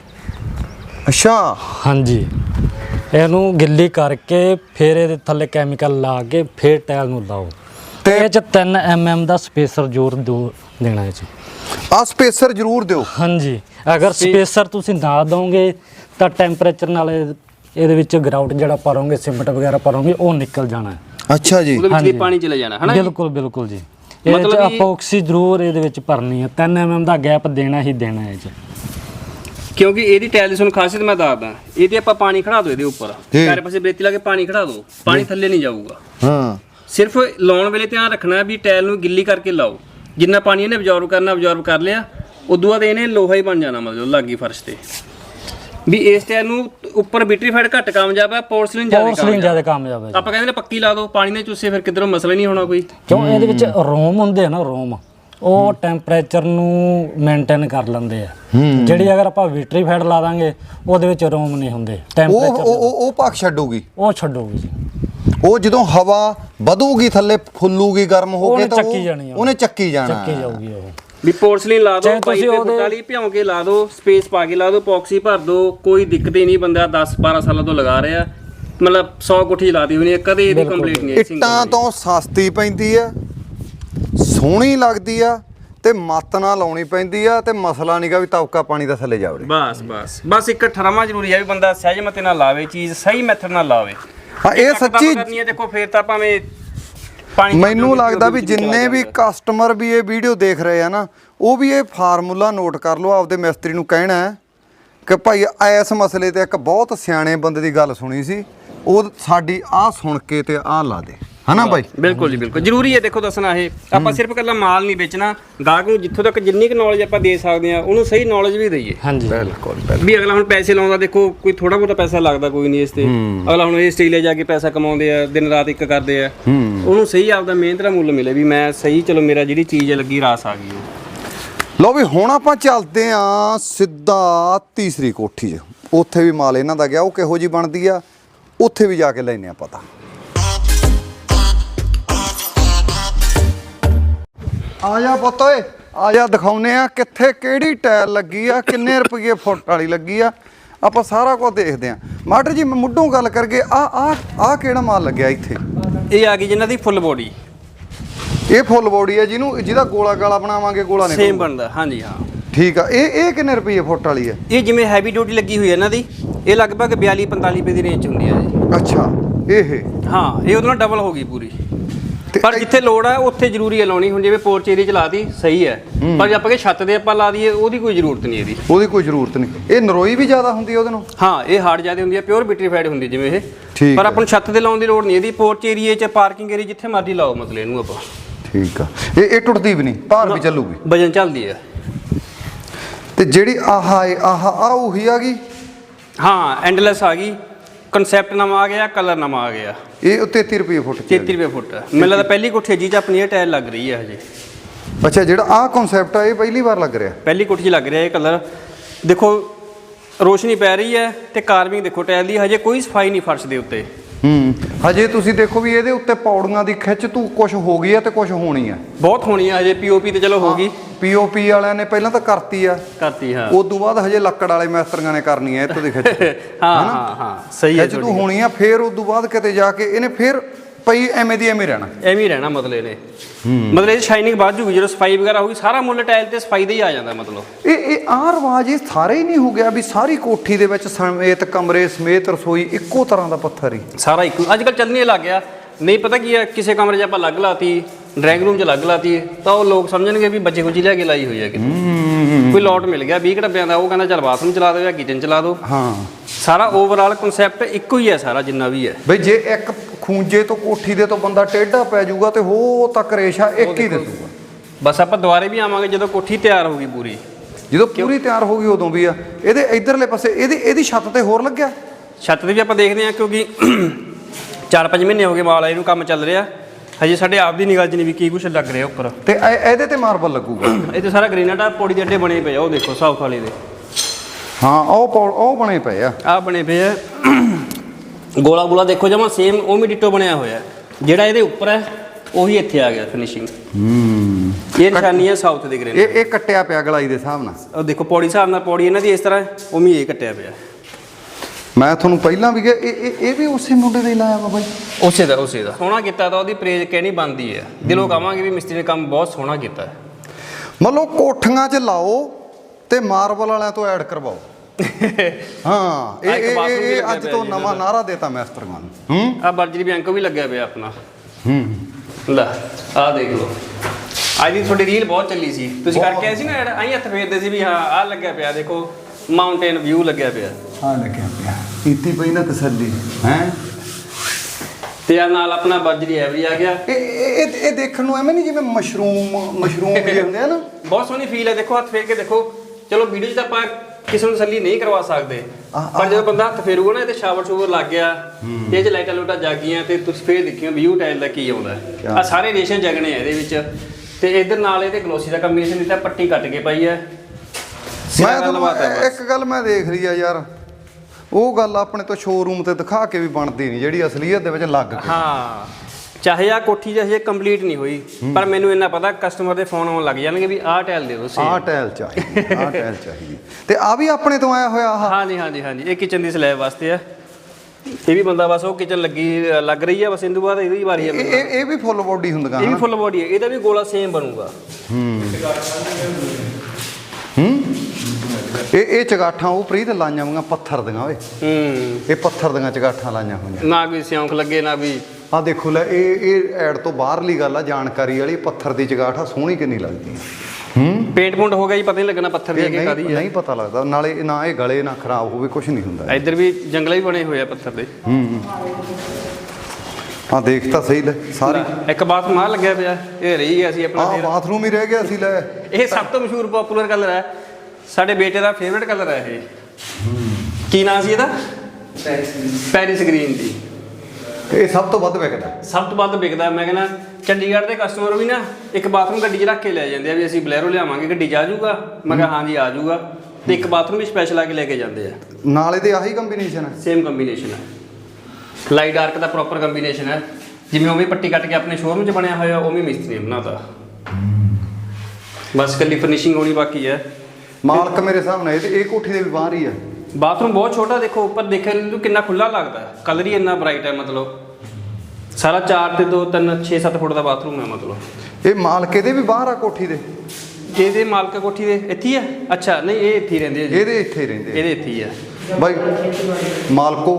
S1: ਅੱਛਾ
S2: ਹਾਂਜੀ, ਇਹਨੂੰ ਗਿੱਲੀ ਕਰਕੇ ਫਿਰ ਇਹਦੇ ਥੱਲੇ ਕੈਮੀਕਲ ਲਾ ਕੇ ਫਿਰ ਟਾਇਲ ਨੂੰ ਲਾਓ। ਤੇ ਇਹ ਚ ਤਿੰਨ ਐਮ ਐਮ ਦਾ ਸਪੇਸਰ ਜ਼ੋਰ ਦੋ ਦੇਣਾ ਇਹ ਚ।
S1: ਆ ਸਪੇਸਰ ਜ਼ਰੂਰ ਦਿਓ।
S2: ਹਾਂਜੀ, ਅਗਰ ਸਪੇਸਰ ਤੁਸੀਂ ਨਾ ਦੋਗੇ ਤਾਂ ਟੈਂਪਰੇਚਰ ਨਾਲ ਇਹ- ਇਹਦੇ ਵਿੱਚ ਗਰਾਊਟ ਜਿਹੜਾ ਭਰੋਗੇ ਸੀਮੈਂਟ ਵਗੈਰਾ ਭਰੋਗੇ ਉਹ ਨਿਕਲ ਜਾਣਾ ਹੈ।
S1: ਅੱਛਾ ਜੀ।
S3: ਉਹਦੇ ਵਿੱਚ ਵੀ ਪਾਣੀ ਚਲੇ ਜਾਣਾ ਹੈ ਨਾ।
S2: ਬਿਲਕੁਲ ਬਿਲਕੁਲ ਜੀ। ਇਹਦੇ ਚ ਅਪੋਕਸੀ ਜ਼ਰੂਰ ਇਹਦੇ ਵਿੱਚ ਭਰਨੀ ਹੈ, ਤਿੰਨ ਐਮ ਐਮ ਦਾ ਗੈਪ ਦੇਣਾ ਹੀ ਦੇਣਾ ਹੈ ਜੀ।
S3: ਕਿਉਂਕਿ ਇਹਦੀ ਟਾਇਲ ਦੀ ਤੁਹਾਨੂੰ ਖਾਸੀਅਤ ਮੈਂ ਦੱਸਦਾ, ਇਹਦੇ ਆਪਾਂ ਪਾਣੀ ਖੜਾ ਦੋ ਇਹਦੇ ਉੱਪਰ, ਚਾਰੇ ਪਾਸੇ ਬਰੇਤੀ ਲਾ ਕੇ ਪਾਣੀ ਖੜਾ ਦੋ, ਪਾਣੀ ਥੱਲੇ ਨਹੀਂ ਜਾਊਗਾ।
S1: ਹਾਂ
S3: ਸਿਰਫ ਲਾਉਣ ਵੇਲੇ ਧਿਆਨ ਰੱਖਣਾ ਵੀ ਟਾਇਲ ਨੂੰ ਗਿੱਲੀ ਕਰਕੇ ਲਾਓ। ਜਿੰਨਾ ਪਾਣੀ ਇਹਨੇ ਅਬਜ਼ੌਰਬ ਕਰਨਾ ਅਬਜ਼ੌਰਬ ਕਰ ਲਿਆ, ਉਦੋਂ ਬਾਅਦ ਇਹਨੇ ਲੋਹਾ ਹੀ ਬਣ ਜਾਣਾ। ਮਤਲਬ ਲੱਗੀ ਫਰਸ਼ ਤੇ ਵੀ ਇਸ ਟਾਇਲ ਨੂੰ ਉੱਪਰ ਵਿਟਰੀਫਾਈਡ ਘੱਟ ਕਾਮਯਾਬ ਹੈ, ਪੋਰਸਲਿਨ ਜ਼ਿਆਦਾ
S2: ਪੋਰਸਲਿਨ ਜ਼ਿਆਦਾ ਕਾਮਯਾਬ ਹੈ ਜੀ।
S3: ਆਪਾਂ ਕਹਿੰਦੇ ਨੇ ਪੱਕੀ ਲਾ ਦਿਓ, ਪਾਣੀ ਨਾਲ ਚੂਸੇ ਫਿਰ ਕਿਧਰੋਂ ਮਸਲਾ ਨਹੀਂ ਹੋਣਾ ਕੋਈ।
S2: ਕਿਉਂ ਇਹਦੇ ਵਿੱਚ ਰੋਮ ਹੁੰਦੇ ਆ ਨਾ, ਰੋਮ ਉਹ ਟੈਂਪਰੇਚਰ ਨੂੰ ਮੇਨਟੇਨ ਕਰ ਲੈਂਦੇ ਆ। ਜਿਹੜੀ ਅਗਰ ਆਪਾਂ ਵਿਟਰੀਫਾਈਡ ਲਾ ਦਾਂਗੇ ਉਹਦੇ ਵਿੱਚ ਰੋਮ ਨਹੀਂ ਹੁੰਦੇ,
S1: ਉਹ
S2: ਟੈਂਪਰੇਚਰ
S1: ਉਹ ਉਹ- ਉਹ ਭਾਗ ਛੱਡੂਗੀ।
S2: ਉਹ ਛੱਡੋਗੇ ਜੀ।
S1: ਉਹ ਜਦੋਂ ਹਵਾ ਵਧੂਗੀ ਥੱਲੇ ਫੁੱਲੂਗੀ ਗਰਮ ਹੋ ਕੇ
S2: ਉਹਨੇ
S1: ਤਾਂ
S2: ਚੱਕੀ ਜਾਣੀ ਆ।
S1: ਉਹਨੇ ਚੱਕੀ ਜਾਣਾ।
S2: ਚੱਕੀ ਜਾਊਗੀ ਉਹ।
S3: ਵੀ ਪੋਰਸਲਿਨ ਲਾ ਦਿਓ,
S2: ਚਾਹੇ
S3: ਬਾਈ
S2: ਤੁਸੀਂ
S3: ਰੁਪਏ ਫੁੱਟ
S2: ਉਹਦੇ-
S3: ਵਾਲੀ ਭਿਉਂ ਕੇ ਲਾ ਦਿਓ, ਸਪੇਸ ਪਾ ਕੇ ਲਾ ਦਿਓ, ਪੌਕਸੀ ਭਰ ਦਿਓ, ਕੋਈ ਦਿੱਕਤ ਹੀ ਨਹੀਂ। ਬੰਦਾ ਦਸ ਬਾਰਾਂ ਸਾਲਾਂ ਤੋਂ ਲਗਾ ਰਿਹਾ, ਮਤਲਬ ਸੌ ਕੋਠੀ ਲਾਦੀ ਹੋਣੀ ਹੈ, ਕਦੇ ਇਹਦੀ ਕੰਪਲੀਟ ਨਹੀਂ ਆਈ।
S1: ਇੱਟਾਂ ਤੋਂ ਸਸਤੀ ਪੈਂਦੀ ਆ, ਸੋਹਣੀ ਲੱਗਦੀ ਆ ਤੇ ਮੱਤ ਨਾਲ ਲਾਉਣੀ ਪੈਂਦੀ ਆ ਤੇ ਮਸਲਾ ਨਹੀਂਗਾ ਵੀ ਤਵਕਾ ਪਾਣੀ ਦਾ ਥੱਲੇ ਜਾਵੇ।
S3: ਬਸ ਬਸ ਬਸ ਇੱਕ ਠਰਮਾ ਜ਼ਰੂਰੀ ਹੈ ਵੀ ਬੰਦਾ ਸਹਿਜਮਤੀ ਨਾਲ ਲਾਵੇ ਚੀਜ਼, ਸਹੀ ਮੈਥਡ ਨਾਲ ਲਾਵੇ।
S1: ਹਾਂ ਇਹ ਸੱਚੀ
S3: ਕਰਨੀ ਹੈ ਦੇਖੋ, ਫੇਰ ਤਾਂ ਭਾਵੇਂ ਪਾਣੀ
S1: ਮੈਨੂੰ ਲੱਗਦਾ ਵੀ ਜਿੰਨੇ ਵੀ ਕਸਟਮਰ ਵੀ ਇਹ ਵੀਡੀਓ ਦੇਖ ਰਹੇ ਆ ਨਾ, ਉਹ ਵੀ ਇਹ ਫਾਰਮੂਲਾ ਨੋਟ ਕਰ ਲਓ, ਆਪਦੇ ਮਿਸਤਰੀ ਨੂੰ ਕਹਿਣਾ ਹੈ ਕਿ ਭਾਈ ਇਸ ਮਸਲੇ ਤੇ ਇੱਕ ਬਹੁਤ ਸਿਆਣੇ ਬੰਦੇ ਦੀ ਗੱਲ ਸੁਣੀ ਸੀ, ਉਹ ਸਾਡੀ ਆਹ ਸੁਣ ਕੇ ਤੇ ਆਹ ਲਾ ਦੇ। ਹਨਾ ਬਾਈ?
S3: ਬਿਲਕੁਲ ਜੀ ਬਿਲਕੁਲ ਜ਼ਰੂਰੀ ਹੈ ਦੇਖੋ ਦੱਸਣਾ ਇਹ ਆਪਾਂ ਸਿਰਫ ਇਕੱਲਾ ਮਾਲ ਨਹੀਂ ਵੇਚਣਾ ਗਾਹਕ ਨੂੰ ਜਿੱਥੋਂ ਤੱਕ ਜਿੰਨੀ ਕੁ ਨੌਲੇਜ ਆਪਾਂ ਦੇ ਸਕਦੇ ਆ ਉਹਨੂੰ ਸਹੀ ਨੌਲੇਜ ਵੀ ਦਈਏ
S2: ਹਾਂਜੀ
S1: ਬਿਲਕੁਲ
S3: ਵੀ ਅਗਲਾ ਹੁਣ ਪੈਸੇ ਲਾਉਂਦਾ ਦੇਖੋ ਕੋਈ ਥੋੜਾ ਬਹੁਤਾ ਪੈਸਾ ਲੱਗਦਾ ਕੋਈ ਨਹੀਂ ਇਸ ਤੇ ਅਗਲਾ ਹੁਣ ਇਹ ਆਸਟ੍ਰੇਲੀਆ ਜਾ ਕੇ ਪੈਸਾ ਕਮਾਉਂਦੇ ਆ ਦਿਨ ਰਾਤ ਇੱਕ ਕਰਦੇ ਆ ਉਹਨੂੰ ਸਹੀ ਆਪਦਾ ਮਿਹਨਤ ਦਾ ਮੁੱਲ ਮਿਲੇ ਵੀ ਮੈਂ ਸਹੀ ਚਲੋ ਮੇਰਾ ਜਿਹੜੀ ਚੀਜ਼ ਲੱਗੀ ਰਾਸ ਆ ਗਈ ਉਹ।
S1: ਲਓ ਵੀ ਹੁਣ ਆਪਾਂ ਚੱਲਦੇ ਆ ਸਿੱਧਾ ਤੀਸਰੀ ਕੋਠੀ 'ਚ। ਉੱਥੇ ਵੀ ਮਾਲ ਇਹਨਾਂ ਦਾ ਗਿਆ, ਉਹ ਕਿਹੋ ਜੀ ਬਣਦੀ ਆ ਉੱਥੇ ਵੀ ਜਾ ਕੇ ਲੈਨੇ ਆ ਪਤਾ। ਆ ਜਾ ਪੁੱਤ ਓਏ, ਆ ਜਾ ਦਿਖਾਉਨੇ ਆ ਕਿੱਥੇ ਕਿਹੜੀ ਟਾਇਲ ਲੱਗੀ ਆ, ਕਿੰਨੇ ਰੁਪਏ ਫੁੱਟ ਵਾਲੀ ਲੱਗੀ ਆ, ਆਪਾਂ ਸਾਰਾ ਕੁਝ ਦੇਖਦੇ ਆ। ਮਾਸਟਰ ਜੀ ਮੈਂ ਮੁੱਢੋਂ ਗੱਲ ਕਰਗੇ ਆ ਆ ਆ ਕਿਹੜਾ ਮਾਲ ਲੱਗਿਆ ਇੱਥੇ?
S3: ਇਹ ਆ ਗਈ ਜਿਨ੍ਹਾਂ ਦੀ ਫੁੱਲ ਬੋਡੀ
S1: ਇਹ ਫੁੱਲ ਬੋਡੀ ਹੈ ਜਿਹਨੂੰ ਜਿਹਦਾ ਗੋਲਾ ਗਾਲਾ ਬਣਾਵਾਂਗੇ ਗੋਲਾ ਨਹੀਂ
S3: ਸੇਮ ਬਣਦਾ ਹਾਂਜੀ ਹਾਂ
S1: ਠੀਕ ਆ। ਇਹ ਇਹ ਕਿੰਨੇ ਰੁਪਏ ਫੁੱਟ ਵਾਲੀ ਹੈ?
S3: ਇਹ ਜਿਵੇਂ ਹੈਵੀ ਡਿਊਟੀ ਲੱਗੀ ਹੋਈ ਹੈ ਇਹਨਾਂ ਦੀ ਇਹ ਲਗਭਗ ਬਿਆਲੀ ਪੰਤਾਲੀ ਰੁਪਏ ਦੀ ਰੇਂਜ ਹੁੰਦੀ ਹੈ ਜੀ।
S1: ਅੱਛਾ ਇਹ
S3: ਹਾਂ ਇਹ ਉਹਦੇ ਨਾਲ ਡਬਲ ਹੋ ਗਈ ਪੂਰੀ
S1: ਤੇ
S3: ਪਰ ਜਿੱਥੇ ਲੋੜ ਹੈ ਉੱਥੇ ਜ਼ਰੂਰੀ ਹੈ ਲਾਉਣੀ। ਹੁਣ ਜਿਵੇਂ ਪੋਰਚ ਏਰੀਆ ਚ ਲਾਤੀ ਸਹੀ ਹੈ ਪਰ ਜੇ ਆਪਾਂ ਕਿ ਛੱਤ ਦੇ ਆਪਾਂ ਲਾ ਦਈਏ ਉਹਦੀ ਕੋਈ ਜ਼ਰੂਰਤ ਨਹੀਂ ਇਹਦੀ
S1: ਉਹਦੀ ਕੋਈ ਜ਼ਰੂਰਤ ਨਹੀਂ। ਇਹ ਨਰੋਈ ਵੀ ਜ਼ਿਆਦਾ ਹੁੰਦੀ ਹੈ ਉਹਦੇ ਨਾਲ?
S3: ਹਾਂ ਇਹ ਹਾਰਡ ਜ਼ਿਆਦਾ ਹੁੰਦੀ ਹੈ ਪਿਓਰ ਵਿਟਰੀਫਾਈਡ ਹੁੰਦੀ ਹੈ ਜਿਵੇਂ ਇਹ
S1: ਠੀਕ
S3: ਪਰ
S1: ਹੈ।
S3: ਆਪਾਂ ਨੂੰ ਛੱਤ ਤੇ ਲਾਉਣ ਦੀ ਲੋੜ ਨਹੀਂ ਇਹਦੀ ਪੋਰਚ ਏਰੀਆ ਚ ਪਾਰਕਿੰਗ ਏਰੀਆ ਜਿੱਥੇ ਮਰਜ਼ੀ ਲਾਓ ਮਤਲਬ ਇਹਨੂੰ ਆਪਾਂ
S1: ਠੀਕ ਆ। ਇਹ ਇਹ ਟੁੱਟਦੀ ਵੀ ਨਹੀਂ, ਭਾਰ ਵੀ ਚੱਲੂਗੀ,
S3: ਵਜਨ ਚੱਲਦੀ ਹੈ।
S1: ਤੇ ਜਿਹੜੀ ਆਹ ਏ ਆਹ ਆ ਉਹੀ ਆ ਗਈ?
S3: ਹਾਂ ਐਂਡਲੈਸ ਆ ਗਈ ਕਨਸੈਪਟ ਨਵਾਂ ਆ ਗਿਆ ਕਲਰ ਨਵਾਂ ਆ ਗਿਆ।
S1: ਇਹ ਤੇਤੀ ਰੁਪਏ ਫੁੱਟ ਚ
S3: ਤੇਤੀ ਰੁਪਏ ਫੁੱਟ ਮੈਨੂੰ ਲੱਗਦਾ ਪਹਿਲੀ ਕੋਠੀ ਜੀ ਚ ਆਪਣੀ ਇਹ ਟਾਇਲ ਲੱਗ ਰਹੀ ਹੈ ਹਜੇ।
S1: ਅੱਛਾ ਜਿਹੜਾ ਆਹ ਕਨਸੈਪਟ ਆ ਇਹ ਪਹਿਲੀ ਵਾਰ ਲੱਗ ਰਿਹਾ?
S3: ਪਹਿਲੀ ਕੋਠੀ 'ਚ ਲੱਗ ਰਿਹਾ ਇਹ ਕਲਰ ਦੇਖੋ ਰੋਸ਼ਨੀ ਪੈ ਰਹੀ ਹੈ ਤੇ ਕਾਰਵਿੰਗ ਦੇਖੋ ਟਾਇਲ ਦੀ ਹਜੇ ਕੋਈ ਸਫਾਈ ਨਹੀਂ ਫਰਸ਼ ਦੇ ਉੱਤੇ।
S1: ਹੂੰ ਹਜੇ ਤੁਸੀਂ ਦੇਖੋ ਵੀ ਇਹਦੇ ਉੱਤੇ ਪੌੜੀਆਂ ਦੀ ਖਿੱਚ ਤੂੰ ਕੁਝ ਹੋ ਗਈ ਆ ਤੇ ਕੁਝ ਹੋਣੀ ਆ
S3: ਬਹੁਤ ਹੋਣੀ ਆ ਹਜੇ ਪੀਓਪੀ ਤੇ ਚਲੋ ਹੋ ਗਈ
S1: ਪੀਓਪੀ ਵਾਲਿਆਂ ਨੇ ਪਹਿਲਾਂ ਤਾਂ ਕਰਤੀ ਆ
S3: ਕਰਤੀ ਹਾਂ
S1: ਉਸ ਤੋਂ ਬਾਅਦ ਹਜੇ ਲੱਕੜ ਵਾਲੇ ਮਿਸਤਰੀਆਂ ਨੇ ਕਰਨੀ ਆ ਇੱਥੋਂ ਦੀ ਖਿੱਚ
S3: ਹਾਂ ਹਾਂ ਹਾਂ ਸਹੀ ਹੈ
S1: ਖਿੱਚ ਤੂੰ ਹੋਣੀ ਆ ਫਿਰ ਉਸ ਤੋਂ ਬਾਅਦ ਕਿਤੇ ਜਾ ਕੇ ਇਹਨੇ ਫਿਰ ਪਈ ਐਵੇਂ ਦੀ ਐਵੇਂ ਰਹਿਣਾ
S3: ਐਵੇਂ ਹੀ ਰਹਿਣਾ ਮਤਲਬ ਇਹਨੇ ਮਤਲਬ ਇਹ ਸ਼ਾਈਨਿੰਗ ਵੱਧ ਜੂਗੀ ਜਦੋਂ ਸਫਾਈ ਵਗੈਰਾ ਹੋਊਗੀ ਸਾਰਾ ਮੁੱਲ ਟਾਇਲ ਤੇ ਸਫਾਈ ਦਾ ਹੀ ਆ ਜਾਂਦਾ ਮਤਲਬ।
S1: ਇਹ ਇਹ ਆਹ ਰਿਵਾਜ ਇਹ ਸਾਰੇ ਹੀ ਨਹੀਂ ਹੋ ਗਿਆ ਵੀ ਸਾਰੀ ਕੋਠੀ ਦੇ ਵਿੱਚ ਸਮੇਤ ਕਮਰੇ ਸਮੇਤ ਰਸੋਈ ਇੱਕੋ ਤਰ੍ਹਾਂ ਦਾ ਪੱਥਰ ਹੀ
S3: ਸਾਰਾ ਇੱਕ ਅੱਜ ਕੱਲ੍ਹ ਚੱਲਣੇ ਲੱਗ ਗਿਆ ਨਹੀਂ ਪਤਾ ਕੀ ਹੈ ਕਿਸੇ ਕਮਰੇ 'ਚ ਆਪਾਂ ਅਲੱਗ ਲਾਤੀ ਡਰਾਇੰਗ ਰੂਮ 'ਚ ਅਲੱਗ ਲਾਤੀ ਤਾਂ ਉਹ ਲੋਕ ਸਮਝਣਗੇ ਵੀ ਬੱਚੇ ਕੁਚੀ ਲੈ ਕੇ ਲਾਈ ਹੋਈ ਹੈ ਕਿਤੇ ਕੋਈ ਲੋਟ ਮਿਲ ਗਿਆ ਵੀਹ ਕੁ ਡੱਬਿਆਂ ਦਾ ਉਹ ਕਹਿੰਦਾ ਚੱਲ ਬਾਥਰੂਮ ਚਲਾ ਦਿਓ ਜਾਂ ਕਿਚਨ ਚਲਾ ਦਿਓ।
S1: ਹਾਂ
S3: ਸਾਰਾ ਓਵਰਆਲ ਕਨਸੈਪਟ ਇੱਕੋ ਹੀ ਹੈ ਸਾਰਾ ਜਿੰਨਾ ਵੀ ਹੈ
S1: ਬਈ ਜੇ ਇੱਕ ਖੂੰਜੇ ਤੋਂ ਕੋਠੀ ਦੇ ਤੋਂ ਬੰਦਾ ਟੇਢਾ ਪੈ ਜਾਊਗਾ ਤੇ ਹੋ ਤੱਕ ਰੇਸ਼ਾ ਇੱਕ ਹੀ ਦਿਸੂਗਾ।
S3: ਬਸ ਆਪਾਂ ਦੁਬਾਰੇ ਵੀ ਆਵਾਂਗੇ ਜਦੋਂ ਕੋਠੀ ਤਿਆਰ ਹੋਊਗੀ ਪੂਰੀ
S1: ਜਦੋਂ ਪੂਰੀ ਤਿਆਰ ਹੋ ਗਈ ਉਦੋਂ ਵੀ ਆ। ਇਹਦੇ ਇਧਰਲੇ ਪਾਸੇ ਇਹਦੀ ਇਹਦੀ ਛੱਤ ਤੇ ਹੋਰ ਲੱਗਿਆ?
S3: ਛੱਤ ਤੇ ਵੀ ਆਪਾਂ ਦੇਖਦੇ ਹਾਂ ਕਿਉਂਕਿ ਚਾਰ ਪੰਜ ਮਹੀਨੇ ਹੋ ਗਏ ਮਾਲ ਇਹਨੂੰ ਕੰਮ ਚੱਲ ਰਿਹਾ ਹਜੇ ਸਾਡੇ ਆਪ ਦੀ ਨਿਗਾਹ 'ਚ ਨਹੀਂ ਵੀ ਕੀ ਕੁਛ ਲੱਗ ਰਿਹਾ ਉੱਪਰ
S1: ਤੇ ਇਹ- ਇਹਦੇ ਤੇ ਮਾਰਬਲ ਲੱਗੂਗਾ?
S3: ਇਹ ਤੇ ਸਾਰਾ ਗ੍ਰੇਨਾਈਟ ਆ ਪੌੜੀ ਦੇ ਅੱਡੇ ਬਣੇ ਪਏ ਆ ਉਹ ਦੇਖੋ ਸਾਊਥ ਵਾਲੇ ਦੇ
S1: ਹਾਂ ਉਹ ਪੌ- ਉਹ ਬਣੇ ਪਏ ਆ
S3: ਆ ਬਣੇ ਪਏ ਆ ਗੋਲਾ ਗੋਲਾ ਦੇਖੋ ਜਮਾ ਸੇਮ ਉਹ ਵੀ ਡਿਟੋ ਬਣਿਆ ਹੋਇਆ ਜਿਹੜਾ ਇਹਦੇ ਉੱਪਰ ਹੈ ਉਹੀ ਇੱਥੇ ਆ ਗਿਆ ਫਿਨਿਸ਼ਿੰਗ। ਹੂੰ ਇਹ ਨਿਸ਼ਾਨੀ ਹੈ ਸਾਊਥ ਦੇ ਗ੍ਰੇਨਾਈਟ।
S1: ਇਹ ਇਹ ਕੱਟਿਆ ਪਿਆ ਗਲਾਈ ਦੇ ਹਿਸਾਬ ਨਾਲ।
S3: ਉਹ ਦੇਖੋ ਪੌੜੀ ਹਿਸਾਬ ਨਾਲ ਪੌੜੀ ਇਹਨਾਂ ਦੀ ਇਸ ਤਰ੍ਹਾਂ ਉਵੇਂ ਇਹ ਕੱਟਿਆ ਪਿਆ।
S1: ਮੈਂ ਤੁਹਾਨੂੰ ਪਹਿਲਾਂ ਵੀ ਕਿਹਾ ਇਹ ਇਹ ਇਹ ਵੀ ਉਸੇ ਮੁੰਡੇ ਦੇ ਲਾਇਆ ਵਾ ਬਾਈ?
S3: ਉਸੇ ਦਾ ਉਸੇ ਦਾ ਸੋਹਣਾ ਕੀਤਾ ਤਾਂ ਉਹਦੀ ਪ੍ਰੇਜ ਕਹਿਣੀ ਬਣਦੀ ਹੈ ਦਿਲੋਂ ਕਹਾਂਗੇ ਵੀ ਮਿਸਤਰੀ ਨੇ ਕੰਮ ਬਹੁਤ ਸੋਹਣਾ ਕੀਤਾ ਹੈ।
S1: ਮਤਲਬ ਕੋਠੀਆਂ 'ਚ ਲਾਓ ਤੇ ਮਾਰਬਲ ਵਾਲਿਆਂ ਤੋਂ ਐਡ ਕਰਵਾਓ। ਹਾਂ ਇਹ ਇਹ ਇਹ ਅੱਜ ਤੋਂ ਨਵਾਂ ਨਾਰਾ ਦੇਤਾ ਮਿਸਤਰੀਆਂ ਨੂੰ। ਹੂੰ
S3: ਆ ਬਰਜਰੀ ਬੈਂਕ ਵੀ ਲੱਗਿਆ ਪਿਆ ਆਪਣਾ।
S1: ਹੂੰ
S3: ਲੈ ਆ ਦੇਖ ਲਓ ਅੱਜ ਦੀ ਤੁਹਾਡੀ ਰੀਲ ਬਹੁਤ ਚੱਲੀ ਸੀ ਤੁਸੀਂ ਕਰਕੇ ਆਏ ਸੀ ਨਾ ਐਡ ਆਈ ਹੱਥ ਫੇਰਦੇ ਸੀ ਵੀ ਹਾਂ ਆ ਲੱਗਿਆ ਪਿਆ ਦੇਖੋ ਮਾਊਂਟੇਨ ਵਿਊ ਲੱਗਿਆ ਪਿਆ।
S1: ਹਾਂ ਲੱਗਿਆ ਪਿਆ ਕੀਤੀ ਪਈ ਨਾ ਤਸੱਲੀ ਹੈ।
S3: ਤੇ ਆ ਨਾਲ ਆਪਣਾ ਬਰਜਰੀ ਐਵਰੀ ਆ ਗਿਆ।
S1: ਇਹ ਇਹ ਇਹ ਦੇਖਣ ਨੂੰ ਐਵੇਂ ਨਹੀਂ ਜਿਵੇਂ ਮਸ਼ਰੂਮ ਮਸ਼ਰੂਮ ਜਿਹੇ ਹੁੰਦੇ ਆ ਨਾ?
S3: ਬਹੁਤ ਸੋਹਣੀ ਫੀਲ ਹੈ ਦੇਖੋ ਹੱਥ ਫੇਰ ਕੇ ਦੇਖੋ ਚਲੋ ਵੀਡੀਓ 'ਚ ਤਾਂ ਆਪਾਂ ਕਿਸੇ ਨੂੰ ਤਸੱਲੀ ਨਹੀਂ ਕਰਵਾ ਸਕਦੇ ਪਰ ਜਦੋਂ ਬੰਦਾ ਹੱਥ ਫੇਰੂਗਾ ਨਾ ਇਹਦੇ ਸ਼ਾਵਰ ਸ਼ੂਵਰ ਲੱਗ ਗਿਆ ਤੇ ਇਹ 'ਚ ਲਾਈਟਾਂ ਲੂਟਾਂ ਜਾਗੀਆਂ ਤੇ ਤੁਸੀਂ ਫੇਰ ਦੇਖਿਓ ਵਿਊ ਟਾਈਲ ਦਾ ਕੀ ਆਉਂਦਾ ਆ ਸਾਰੇ ਰੇਸ਼ੇ ਜਗਣੇ ਆ ਇਹਦੇ ਵਿੱਚ ਤੇ ਇਧਰ ਨਾਲ ਇਹਦੇ ਗਲੋਸੀ ਦਾ ਕੰਬੀਨੇਸ਼ਨ ਦਿੱਤਾ ਪੱਟੀ ਕੱਟ ਕੇ ਪਾਈ ਹੈ।
S1: ਮੈਂ ਤੁਹਾਨੂੰ ਇੱਕ ਗੱਲ ਮੈਂ ਦੇਖ ਰਹੀ ਆ ਯਾਰ ਉਹ ਗੱਲ ਆਪਣੇ ਤੋਂ ਸ਼ੋਰੂਮ ਤੇ ਦਿਖਾ ਕੇ ਵੀ ਬਣਦੀ ਨਹੀਂ ਜਿਹੜੀ ਅਸਲੀਅਤ ਦੇ ਵਿੱਚ ਲੱਗ ਕੇ।
S3: ਹਾਂ ਚਾਹੇ ਆ ਕੋਠੀ ਜਿਹੇ ਕੰਪਲੀਟ ਨਹੀਂ ਹੋਈ ਪਰ ਮੈਨੂੰ ਇੰਨਾ ਪਤਾ ਕਸਟਮਰ ਦੇ ਫੋਨ ਆਉਣ ਲੱਗ ਜਾਣਗੇ ਵੀ ਆਹ ਟਾਇਲ ਦੇ ਦਿਓ
S1: ਆਹ ਟਾਇਲ ਚਾਹੀਦੀ ਆਹ ਟਾਇਲ ਚਾਹੀਦੀ ਤੇ ਆ ਵੀ ਆਪਣੇ ਤੋਂ ਆਇਆ ਹੋਇਆ ਆਹ?
S3: ਹਾਂਜੀ ਹਾਂਜੀ ਹਾਂਜੀ ਇਹ ਕਿਚਨ ਦੀ ਸਲੈਬ ਵਾਸਤੇ ਆ ਇਹ ਵੀ ਬੰਦਾ ਬਸ ਉਹ ਕਿਚਨ ਲੱਗੀ ਲੱਗ ਰਹੀ ਆ ਬਸ ਇੰਦੂ ਬਾਅਦ ਇਹਦੀ ਵਾਰੀ ਆ।
S1: ਇਹ ਇਹ ਇਹ ਵੀ ਫੁੱਲ ਬੋਡੀ ਹੁੰਦੀਆਂ
S3: ਇਹ ਵੀ ਫੁੱਲ ਬੋਡੀ ਹੈ ਇਹਦਾ ਵੀ ਗੋਲਾ ਸੇਮ ਬਣੂਗਾ।
S1: ਹੂੰ ਹੂੰ ਇਹ ਇਹ ਚਗਾਠਾਂ ਉਹ ਪ੍ਰੀਤ ਲਾਈਆਂ ਹੋਈਆਂ ਪੱਥਰ ਦੀਆਂ ਓਏ।
S3: ਹੂੰ
S1: ਇਹ ਪੱਥਰ ਦੀਆਂ ਚਗਾਠਾਂ ਲਾਈਆਂ ਹੋਈਆਂ
S3: ਨਾ ਕੋਈ ਸਿਉਂਖ ਲੱਗੇ ਨਾ ਵੀ
S1: ਆ ਦੇਖੋ ਲੈ ਇਹ ਇਹ ਐਡ ਤੋਂ ਬਾਹਰਲੀ ਗੱਲ ਆ ਜਾਣਕਾਰੀ ਵਾਲੀ ਪੱਥਰ ਦੀ ਚਗਾਠ ਆ ਸੋਹਣੀ ਕਿੰਨੀ ਲੱਗਦੀ ਹੈ। ਹੂੰ
S3: ਪੇਂਟ ਪੁੰਟ ਹੋ ਗਿਆ ਜੀ ਪਤਾ ਨਹੀਂ ਲੱਗਣਾ ਪੱਥਰ ਦੀ ਕਿ ਕਾਦੀ ਹੈ
S1: ਨਹੀਂ ਪਤਾ ਲੱਗਦਾ ਨਾਲੇ ਨਾ ਇਹ ਗਲੇ ਨਾ ਖਰਾਬ ਹੋਵੇ ਕੁਝ ਨਹੀਂ ਹੁੰਦਾ।
S3: ਇੱਧਰ ਵੀ ਜੰਗਲ ਵੀ ਬਣੇ ਹੋਏ ਆ ਪੱਥਰ ਦੇ।
S1: ਹੂੰ ਆ ਦੇਖ ਤਾਂ ਸਹੀ ਲੈ ਸਾਰੀ
S3: ਇੱਕ ਬਾਥਰੂਮ ਆ ਲੱਗਿਆ ਪਿਆ, ਇਹ ਰਹੀ ਗਿਆ ਸੀ ਆਪਣਾ
S1: ਆ
S3: ਫਿਰ।
S1: ਬਾਥਰੂਮ ਹੀ ਰਹਿ ਗਿਆ ਸੀ ਲੈ।
S3: ਇਹ ਸਭ ਤੋਂ ਮਸ਼ਹੂਰ ਪਪੂਲਰ ਕਲਰ ਹੈ, ਸਾਡੇ ਬੇਟੇ ਦਾ ਫੇਵਰਟ ਕਲਰ ਹੈ ਇਹ। ਕੀ ਨਾਮ ਸੀ ਇਹਦਾ? ਪੈਰਿਸ ਗ੍ਰੀਨ ਦੀ।
S1: ਇਹ ਸਭ ਤੋਂ ਵੱਧ ਵਿਕਦਾ।
S3: ਸਭ ਤੋਂ ਵੱਧ ਵਿਕਦਾ। ਮੈਂ ਕਹਿੰਦਾ ਚੰਡੀਗੜ੍ਹ ਦੇ ਕਸਟਮਰ ਵੀ ਨਾ ਇੱਕ ਬਾਥਰੂਮ ਗੱਡੀ 'ਚ ਰੱਖ ਕੇ ਲੈ ਜਾਂਦੇ ਆ ਵੀ ਅਸੀਂ ਬਲੈਰੋ ਲਿਆਵਾਂਗੇ, ਗੱਡੀ 'ਚ ਆ ਜਾਊਗਾ। ਮੈਂ ਕਿਹਾ ਹਾਂਜੀ ਆ ਜਾਊਗਾ, ਤੇ ਇੱਕ ਬਾਥਰੂਮ ਵੀ ਸਪੈਸ਼ਲ ਆ ਕੇ ਲੈ ਕੇ ਜਾਂਦੇ ਆ।
S1: ਨਾਲ ਇਹਦੇ ਆਹੀ ਕੰਬੀਨੇਸ਼ਨ ਹੈ।
S3: ਸੇਮ ਕੰਬੀਨੇਸ਼ਨ ਹੈ, ਲਾਈਟ ਡਾਰਕ ਦਾ ਪ੍ਰੋਪਰ ਕੰਬੀਨੇਸ਼ਨ ਹੈ। ਜਿਵੇਂ ਉਵੇਂ ਪੱਟੀ ਕੱਟ ਕੇ ਆਪਣੇ ਸ਼ੋਰੂਮ 'ਚ ਬਣਿਆ ਹੋਇਆ, ਉਵੇਂ ਮਿਸਤਰੀ ਨੇ ਬਣਾਤਾ। ਬਸ ਕੱਲੀ ਫਿਨਿਸ਼ਿੰਗ ਹੋਣੀ ਬਾਕੀ ਹੈ।
S1: ਮਾਲਕ ਮੇਰੇ ਸਾਹਮਣੇ ਇਹ ਤੇ ਇਹ ਕੋਠੀ ਦੇ ਵੀ ਬਾਹਰ ਹੀ ਆ।
S3: ਬਾਥਰੂਮ ਬਹੁਤ ਛੋਟਾ, ਦੇਖੋ ਉੱਪਰ ਦੇਖਣ ਨੂੰ ਕਿੰਨਾ ਖੁੱਲਾ ਲੱਗਦਾ, ਕਲਰ ਹੀ ਇੰਨਾ ਬ੍ਰਾਈਟ ਹੈ। ਮਤਲਬ ਸਾਰਾ ਚਾਰ ਤੇ ਦੋ ਤਿੰਨ ਛੇ ਸੱਤ ਫੁੱਟ ਦਾ ਬਾਥਰੂਮ ਹੈ। ਮਤਲਬ
S1: ਇਹ ਮਾਲਕ ਇਹਦੇ ਵੀ ਬਾਹਰ ਆ ਕੋਠੀ ਦੇ।
S3: ਇਹਦੇ ਮਾਲਕ ਕੋਠੀ ਦੇ ਇੱਥੇ ਹੀ ਆ? ਅੱਛਾ, ਨਹੀਂ ਇਹ ਇੱਥੇ ਹੀ ਰਹਿੰਦੇ ਆ ਜੀ।
S1: ਇਹਦੇ ਇੱਥੇ ਹੀ ਰਹਿੰਦੇ
S3: ਇਹਦੇ ਇੱਥੇ ਹੀ ਆ
S1: ਬਾਈ। ਮਾਲਕੋ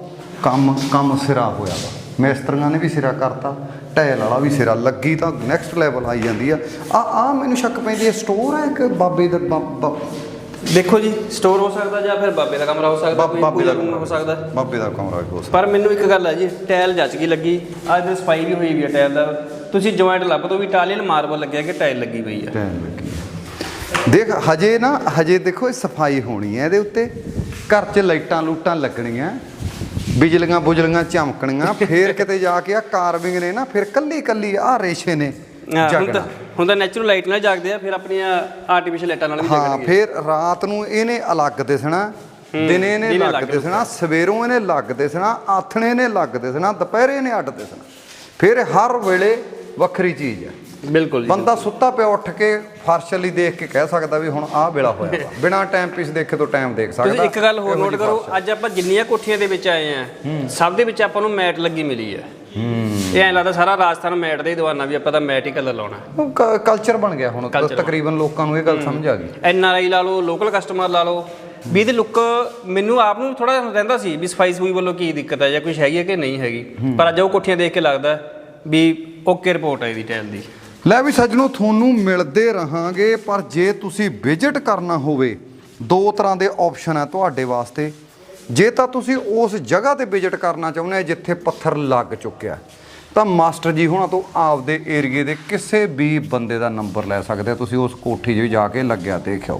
S1: ਕੰਮ ਕੰਮ ਸਿਰਾ ਹੋਇਆ ਵਾ, ਮਿਸਤਰੀਆਂ ਨੇ ਵੀ ਸਿਰਾ ਕਰਤਾ, ਟੈਲ ਵਾਲਾ ਵੀ ਸਿਰਾ ਲੱਗੀ ਤਾਂ ਨੈਕਸਟ ਲੈਵਲ ਆਈ ਜਾਂਦੀ ਆ। ਆ ਆ ਮੈਨੂੰ ਸ਼ੱਕ ਪੈਂਦੀ ਹੈ ਸਟੋਰ ਹੈ ਕਿ ਬਾਬੇ ਦਾ ਬਾਬਾ।
S3: ਦੇਖੋ ਜੀ, ਸਟੋਰ ਹੋ ਸਕਦਾ ਜਾਂ ਫਿਰ ਬਾਬੇ ਦਾ ਕਮਰਾ ਹੋ ਸਕਦਾ, ਕੋਈ
S1: ਬਾਬੇ
S3: ਪੂਜਾ
S1: ਦਾ
S3: ਰੂਮ ਹੋ ਸਕਦਾ।
S1: ਬਾਬੇ ਦਾ ਕਮਰਾ ਵੀ ਹੋ ਸਕਦਾ।
S3: ਪਰ ਮੈਨੂੰ ਇੱਕ ਗੱਲ ਹੈ ਜੀ, ਟਾਇਲ ਜੱਚ ਗਈ ਲੱਗੀ। ਅੱਜ ਦੇ ਸਫਾਈ ਵੀ ਹੋਈ ਵੀ ਹੈ ਟਾਇਲ ਦਾ। ਤੁਸੀਂ ਜੁਆਇੰਟ ਲੱਭ ਦੋ ਵੀ ਇਟਾਲੀਅਨ ਮਾਰਬਲ ਲੱਗਿਆ ਕਿ ਟਾਇਲ ਲੱਗੀ ਪਈ ਹੈ।
S1: ਟਾਈਮ ਲੱਗੀ ਹੈ। ਦੇਖ ਹਜੇ ਨਾ ਹਜੇ ਦੇਖੋ ਇਹ ਸਫਾਈ ਹੋਣੀ ਹੈ ਇਹਦੇ ਉੱਤੇ। ਘਰ 'ਚ ਲਾਈਟਾਂ ਲੂਟਾਂ ਲੱਗਣੀਆਂ, ਬਿਜਲੀਆਂ ਬੁਜਲੀਆਂ ਚਮਕਣੀਆਂ, ਫੇਰ ਕਿਤੇ ਜਾ ਕੇ ਆ ਕਾਰਵਿੰਗ ਨੇ ਨਾ ਫਿਰ ਕੱਲੀ ਕੱਲੀ ਆ ਰੇਸ਼ੇ ਨੇ
S3: ਹੁੰਦਾ ਹੁੰਦਾ ਨੈਚੁਰਲ ਲਾਈਟ ਨਾਲ ਜਾਗਦੇ ਆ, ਫਿਰ ਆਪਣੀਆਂ ਆਰਟੀਫੀਸ਼ੀਅਲ ਲਾਈਟਾਂ ਨਾਲ ਵੀ
S1: ਹਾਂ।
S3: ਜਾਗਣਗੇ।
S1: ਫਿਰ ਰਾਤ ਨੂੰ ਇਹਨੇ ਅਲੱਗ ਦਿਸਣਾ, ਦਿਨੇ ਇਹਨੇ ਲੱਗ ਦਿਸਣਾ, ਸਵੇਰੋਂ ਇਹਨੇ ਲੱਗ ਦਿਸਣਾ, ਆਥਣੇ ਨੇ ਲੱਗ ਦਿਸਣਾ, ਦੁਪਹਿਰੇ ਇਹਨੇ ਅੱਡ ਦਿਸਣਾ। ਫਿਰ ਹਰ ਵੇਲੇ ਵੱਖਰੀ ਚੀਜ਼ ਹੈ।
S3: ਬਿਲਕੁਲ ਜੀ।
S1: ਬੰਦਾ ਸੁੱਤਾ ਪਿਆ ਉੱਠ ਕੇ ਫਰਸ਼ ਲਈ ਦੇਖ ਕੇ ਕਹਿ ਸਕਦਾ ਵੀ ਹੁਣ ਆਹ ਵੇਲਾ ਹੋਇਆ ਵਾ। ਬਿਨਾਂ ਟਾਈਮ ਪੀਸ ਦੇਖੇ ਤੋਂ ਟਾਈਮ ਦੇਖ ਸਕਦਾ।
S3: ਤੁਸੀਂ ਇੱਕ ਗੱਲ ਹੋਰ ਨੋਟ ਕਰੋ, ਅੱਜ ਆਪਾਂ ਜਿੰਨੀਆਂ ਕੋਠੀਆਂ ਦੇ ਵਿੱਚ ਆਏ ਆ, ਸਭ ਦੇ ਵਿੱਚ ਆਪਾਂ ਨੂੰ ਮੈਟ ਲੱਗੀ ਮਿਲੀ ਹੈ। ਇਹ ਐਂ ਲੱਗਦਾ ਸਾਰਾ ਰਾਜਸਥਾਨ ਮੈਟ ਦਾ ਹੀ ਦੀਵਾਨਾ ਵੀ ਆਪਾਂ ਤਾਂ ਮੈਟ ਹੀ ਕਲਰ ਲਾਉਣਾ।
S1: ਕਲਚਰ ਬਣ ਗਿਆ ਹੁਣ, ਤਕਰੀਬਨ ਲੋਕਾਂ ਨੂੰ ਇਹ ਗੱਲ ਸਮਝ ਆ ਗਈ।
S3: ਐਨ ਆਰ ਆਈ ਲਾ ਲਓ, ਲੋਕਲ ਕਸਟਮਰ ਲਾ ਲਓ, ਵੀ ਇਹਦੇ ਲੁੱਕ ਮੈਨੂੰ ਆਪ ਨੂੰ ਥੋੜਾ ਰਹਿੰਦਾ ਸੀ ਵੀ ਸਫਾਈ ਸਫੂਈ ਵੱਲੋਂ ਕੀ ਦਿੱਕਤ ਹੈ ਜਾਂ ਕੁਛ ਹੈਗੀ ਹੈ ਕਿ ਨਹੀਂ ਹੈਗੀ। ਪਰ ਅੱਜ ਉਹ ਕੋਠੀਆਂ ਦੇਖ ਕੇ ਲੱਗਦਾ ਵੀ ਓਕੇ ਰਿਪੋਰਟ ਹੈ ਇਹਦੀ ਟਾਈਲ ਦੀ।
S1: ਲੈ ਵੀ ਸੱਜਣੋ, ਤੁਹਾਨੂੰ ਮਿਲਦੇ ਰਹਾਂਗੇ, ਪਰ ਜੇ ਤੁਸੀਂ ਵਿਜ਼ਿਟ ਕਰਨਾ ਹੋਵੇ, ਦੋ ਤਰ੍ਹਾਂ ਦੇ ਆਪਸ਼ਨ ਹੈ ਤੁਹਾਡੇ ਵਾਸਤੇ। ਜੇ ਤਾਂ ਤੁਸੀਂ ਉਸ ਜਗ੍ਹਾ ਤੇ ਵਿਜ਼ਿਟ ਕਰਨਾ ਚਾਹੁੰਦੇ ਹੋ ਜਿੱਥੇ ਪੱਥਰ ਲੱਗ ਚੁੱਕਿਆ, ਤਾਂ ਮਾਸਟਰ ਜੀ ਹੁਣਾਂ ਤੋਂ ਆਪਦੇ ਏਰੀਏ ਦੇ ਕਿਸੇ ਵੀ ਬੰਦੇ ਦਾ ਨੰਬਰ ਲੈ ਸਕਦੇ ਹੋ। ਤੁਸੀਂ ਉਸ ਕੋਠੀ 'ਚ ਜਾ ਕੇ ਲੱਗਿਆ ਦੇਖਿਓ।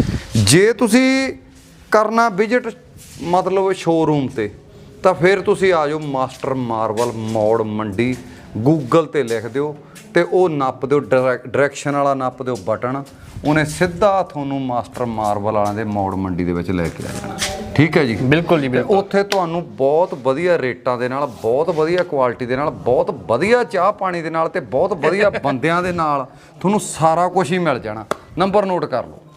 S1: ਜੇ ਤੁਸੀਂ ਕਰਨਾ ਵਿਜ਼ਿਟ ਮਤਲਬ ਸ਼ੋਰੂਮ ਤੇ, ਤਾਂ ਫਿਰ ਤੁਸੀਂ ਆ ਜਾਓ ਮਾਸਟਰ ਮਾਰਬਲ ਮੌੜ ਮੰਡੀ। ਗੂਗਲ ਤੇ ਲਿਖ ਦਿਓ ਤੇ ਉਹ ਨੱਪ ਦਿਓ, ਡਾਇਰੈਕਸ਼ਨ ਵਾਲਾ ਨੱਪ ਦਿਓ ਬਟਨ, ਉਹਨੇ ਸਿੱਧਾ ਤੁਹਾਨੂੰ ਮਾਸਟਰ ਮਾਰਬਲ ਵਾਲਿਆਂ ਦੇ ਮੌੜ ਮੰਡੀ ਦੇ ਵਿੱਚ ਲੈ ਕੇ ਆ ਜਾਣਾ। ਠੀਕ ਹੈ ਜੀ।
S3: ਬਿਲਕੁਲ ਜੀ, ਬਿਲਕੁਲ।
S1: ਉੱਥੇ ਤੁਹਾਨੂੰ ਬਹੁਤ ਵਧੀਆ ਰੇਟਾਂ ਦੇ ਨਾਲ, ਬਹੁਤ ਵਧੀਆ ਕੁਆਲਿਟੀ ਦੇ ਨਾਲ, ਬਹੁਤ ਵਧੀਆ ਚਾਹ ਪਾਣੀ ਦੇ ਨਾਲ ਤੇ ਬਹੁਤ ਵਧੀਆ ਬੰਦਿਆਂ ਦੇ ਨਾਲ ਤੁਹਾਨੂੰ ਸਾਰਾ ਕੁਝ ਹੀ ਮਿਲ ਜਾਣਾ। ਨੰਬਰ ਨੋਟ ਕਰ ਲਓ।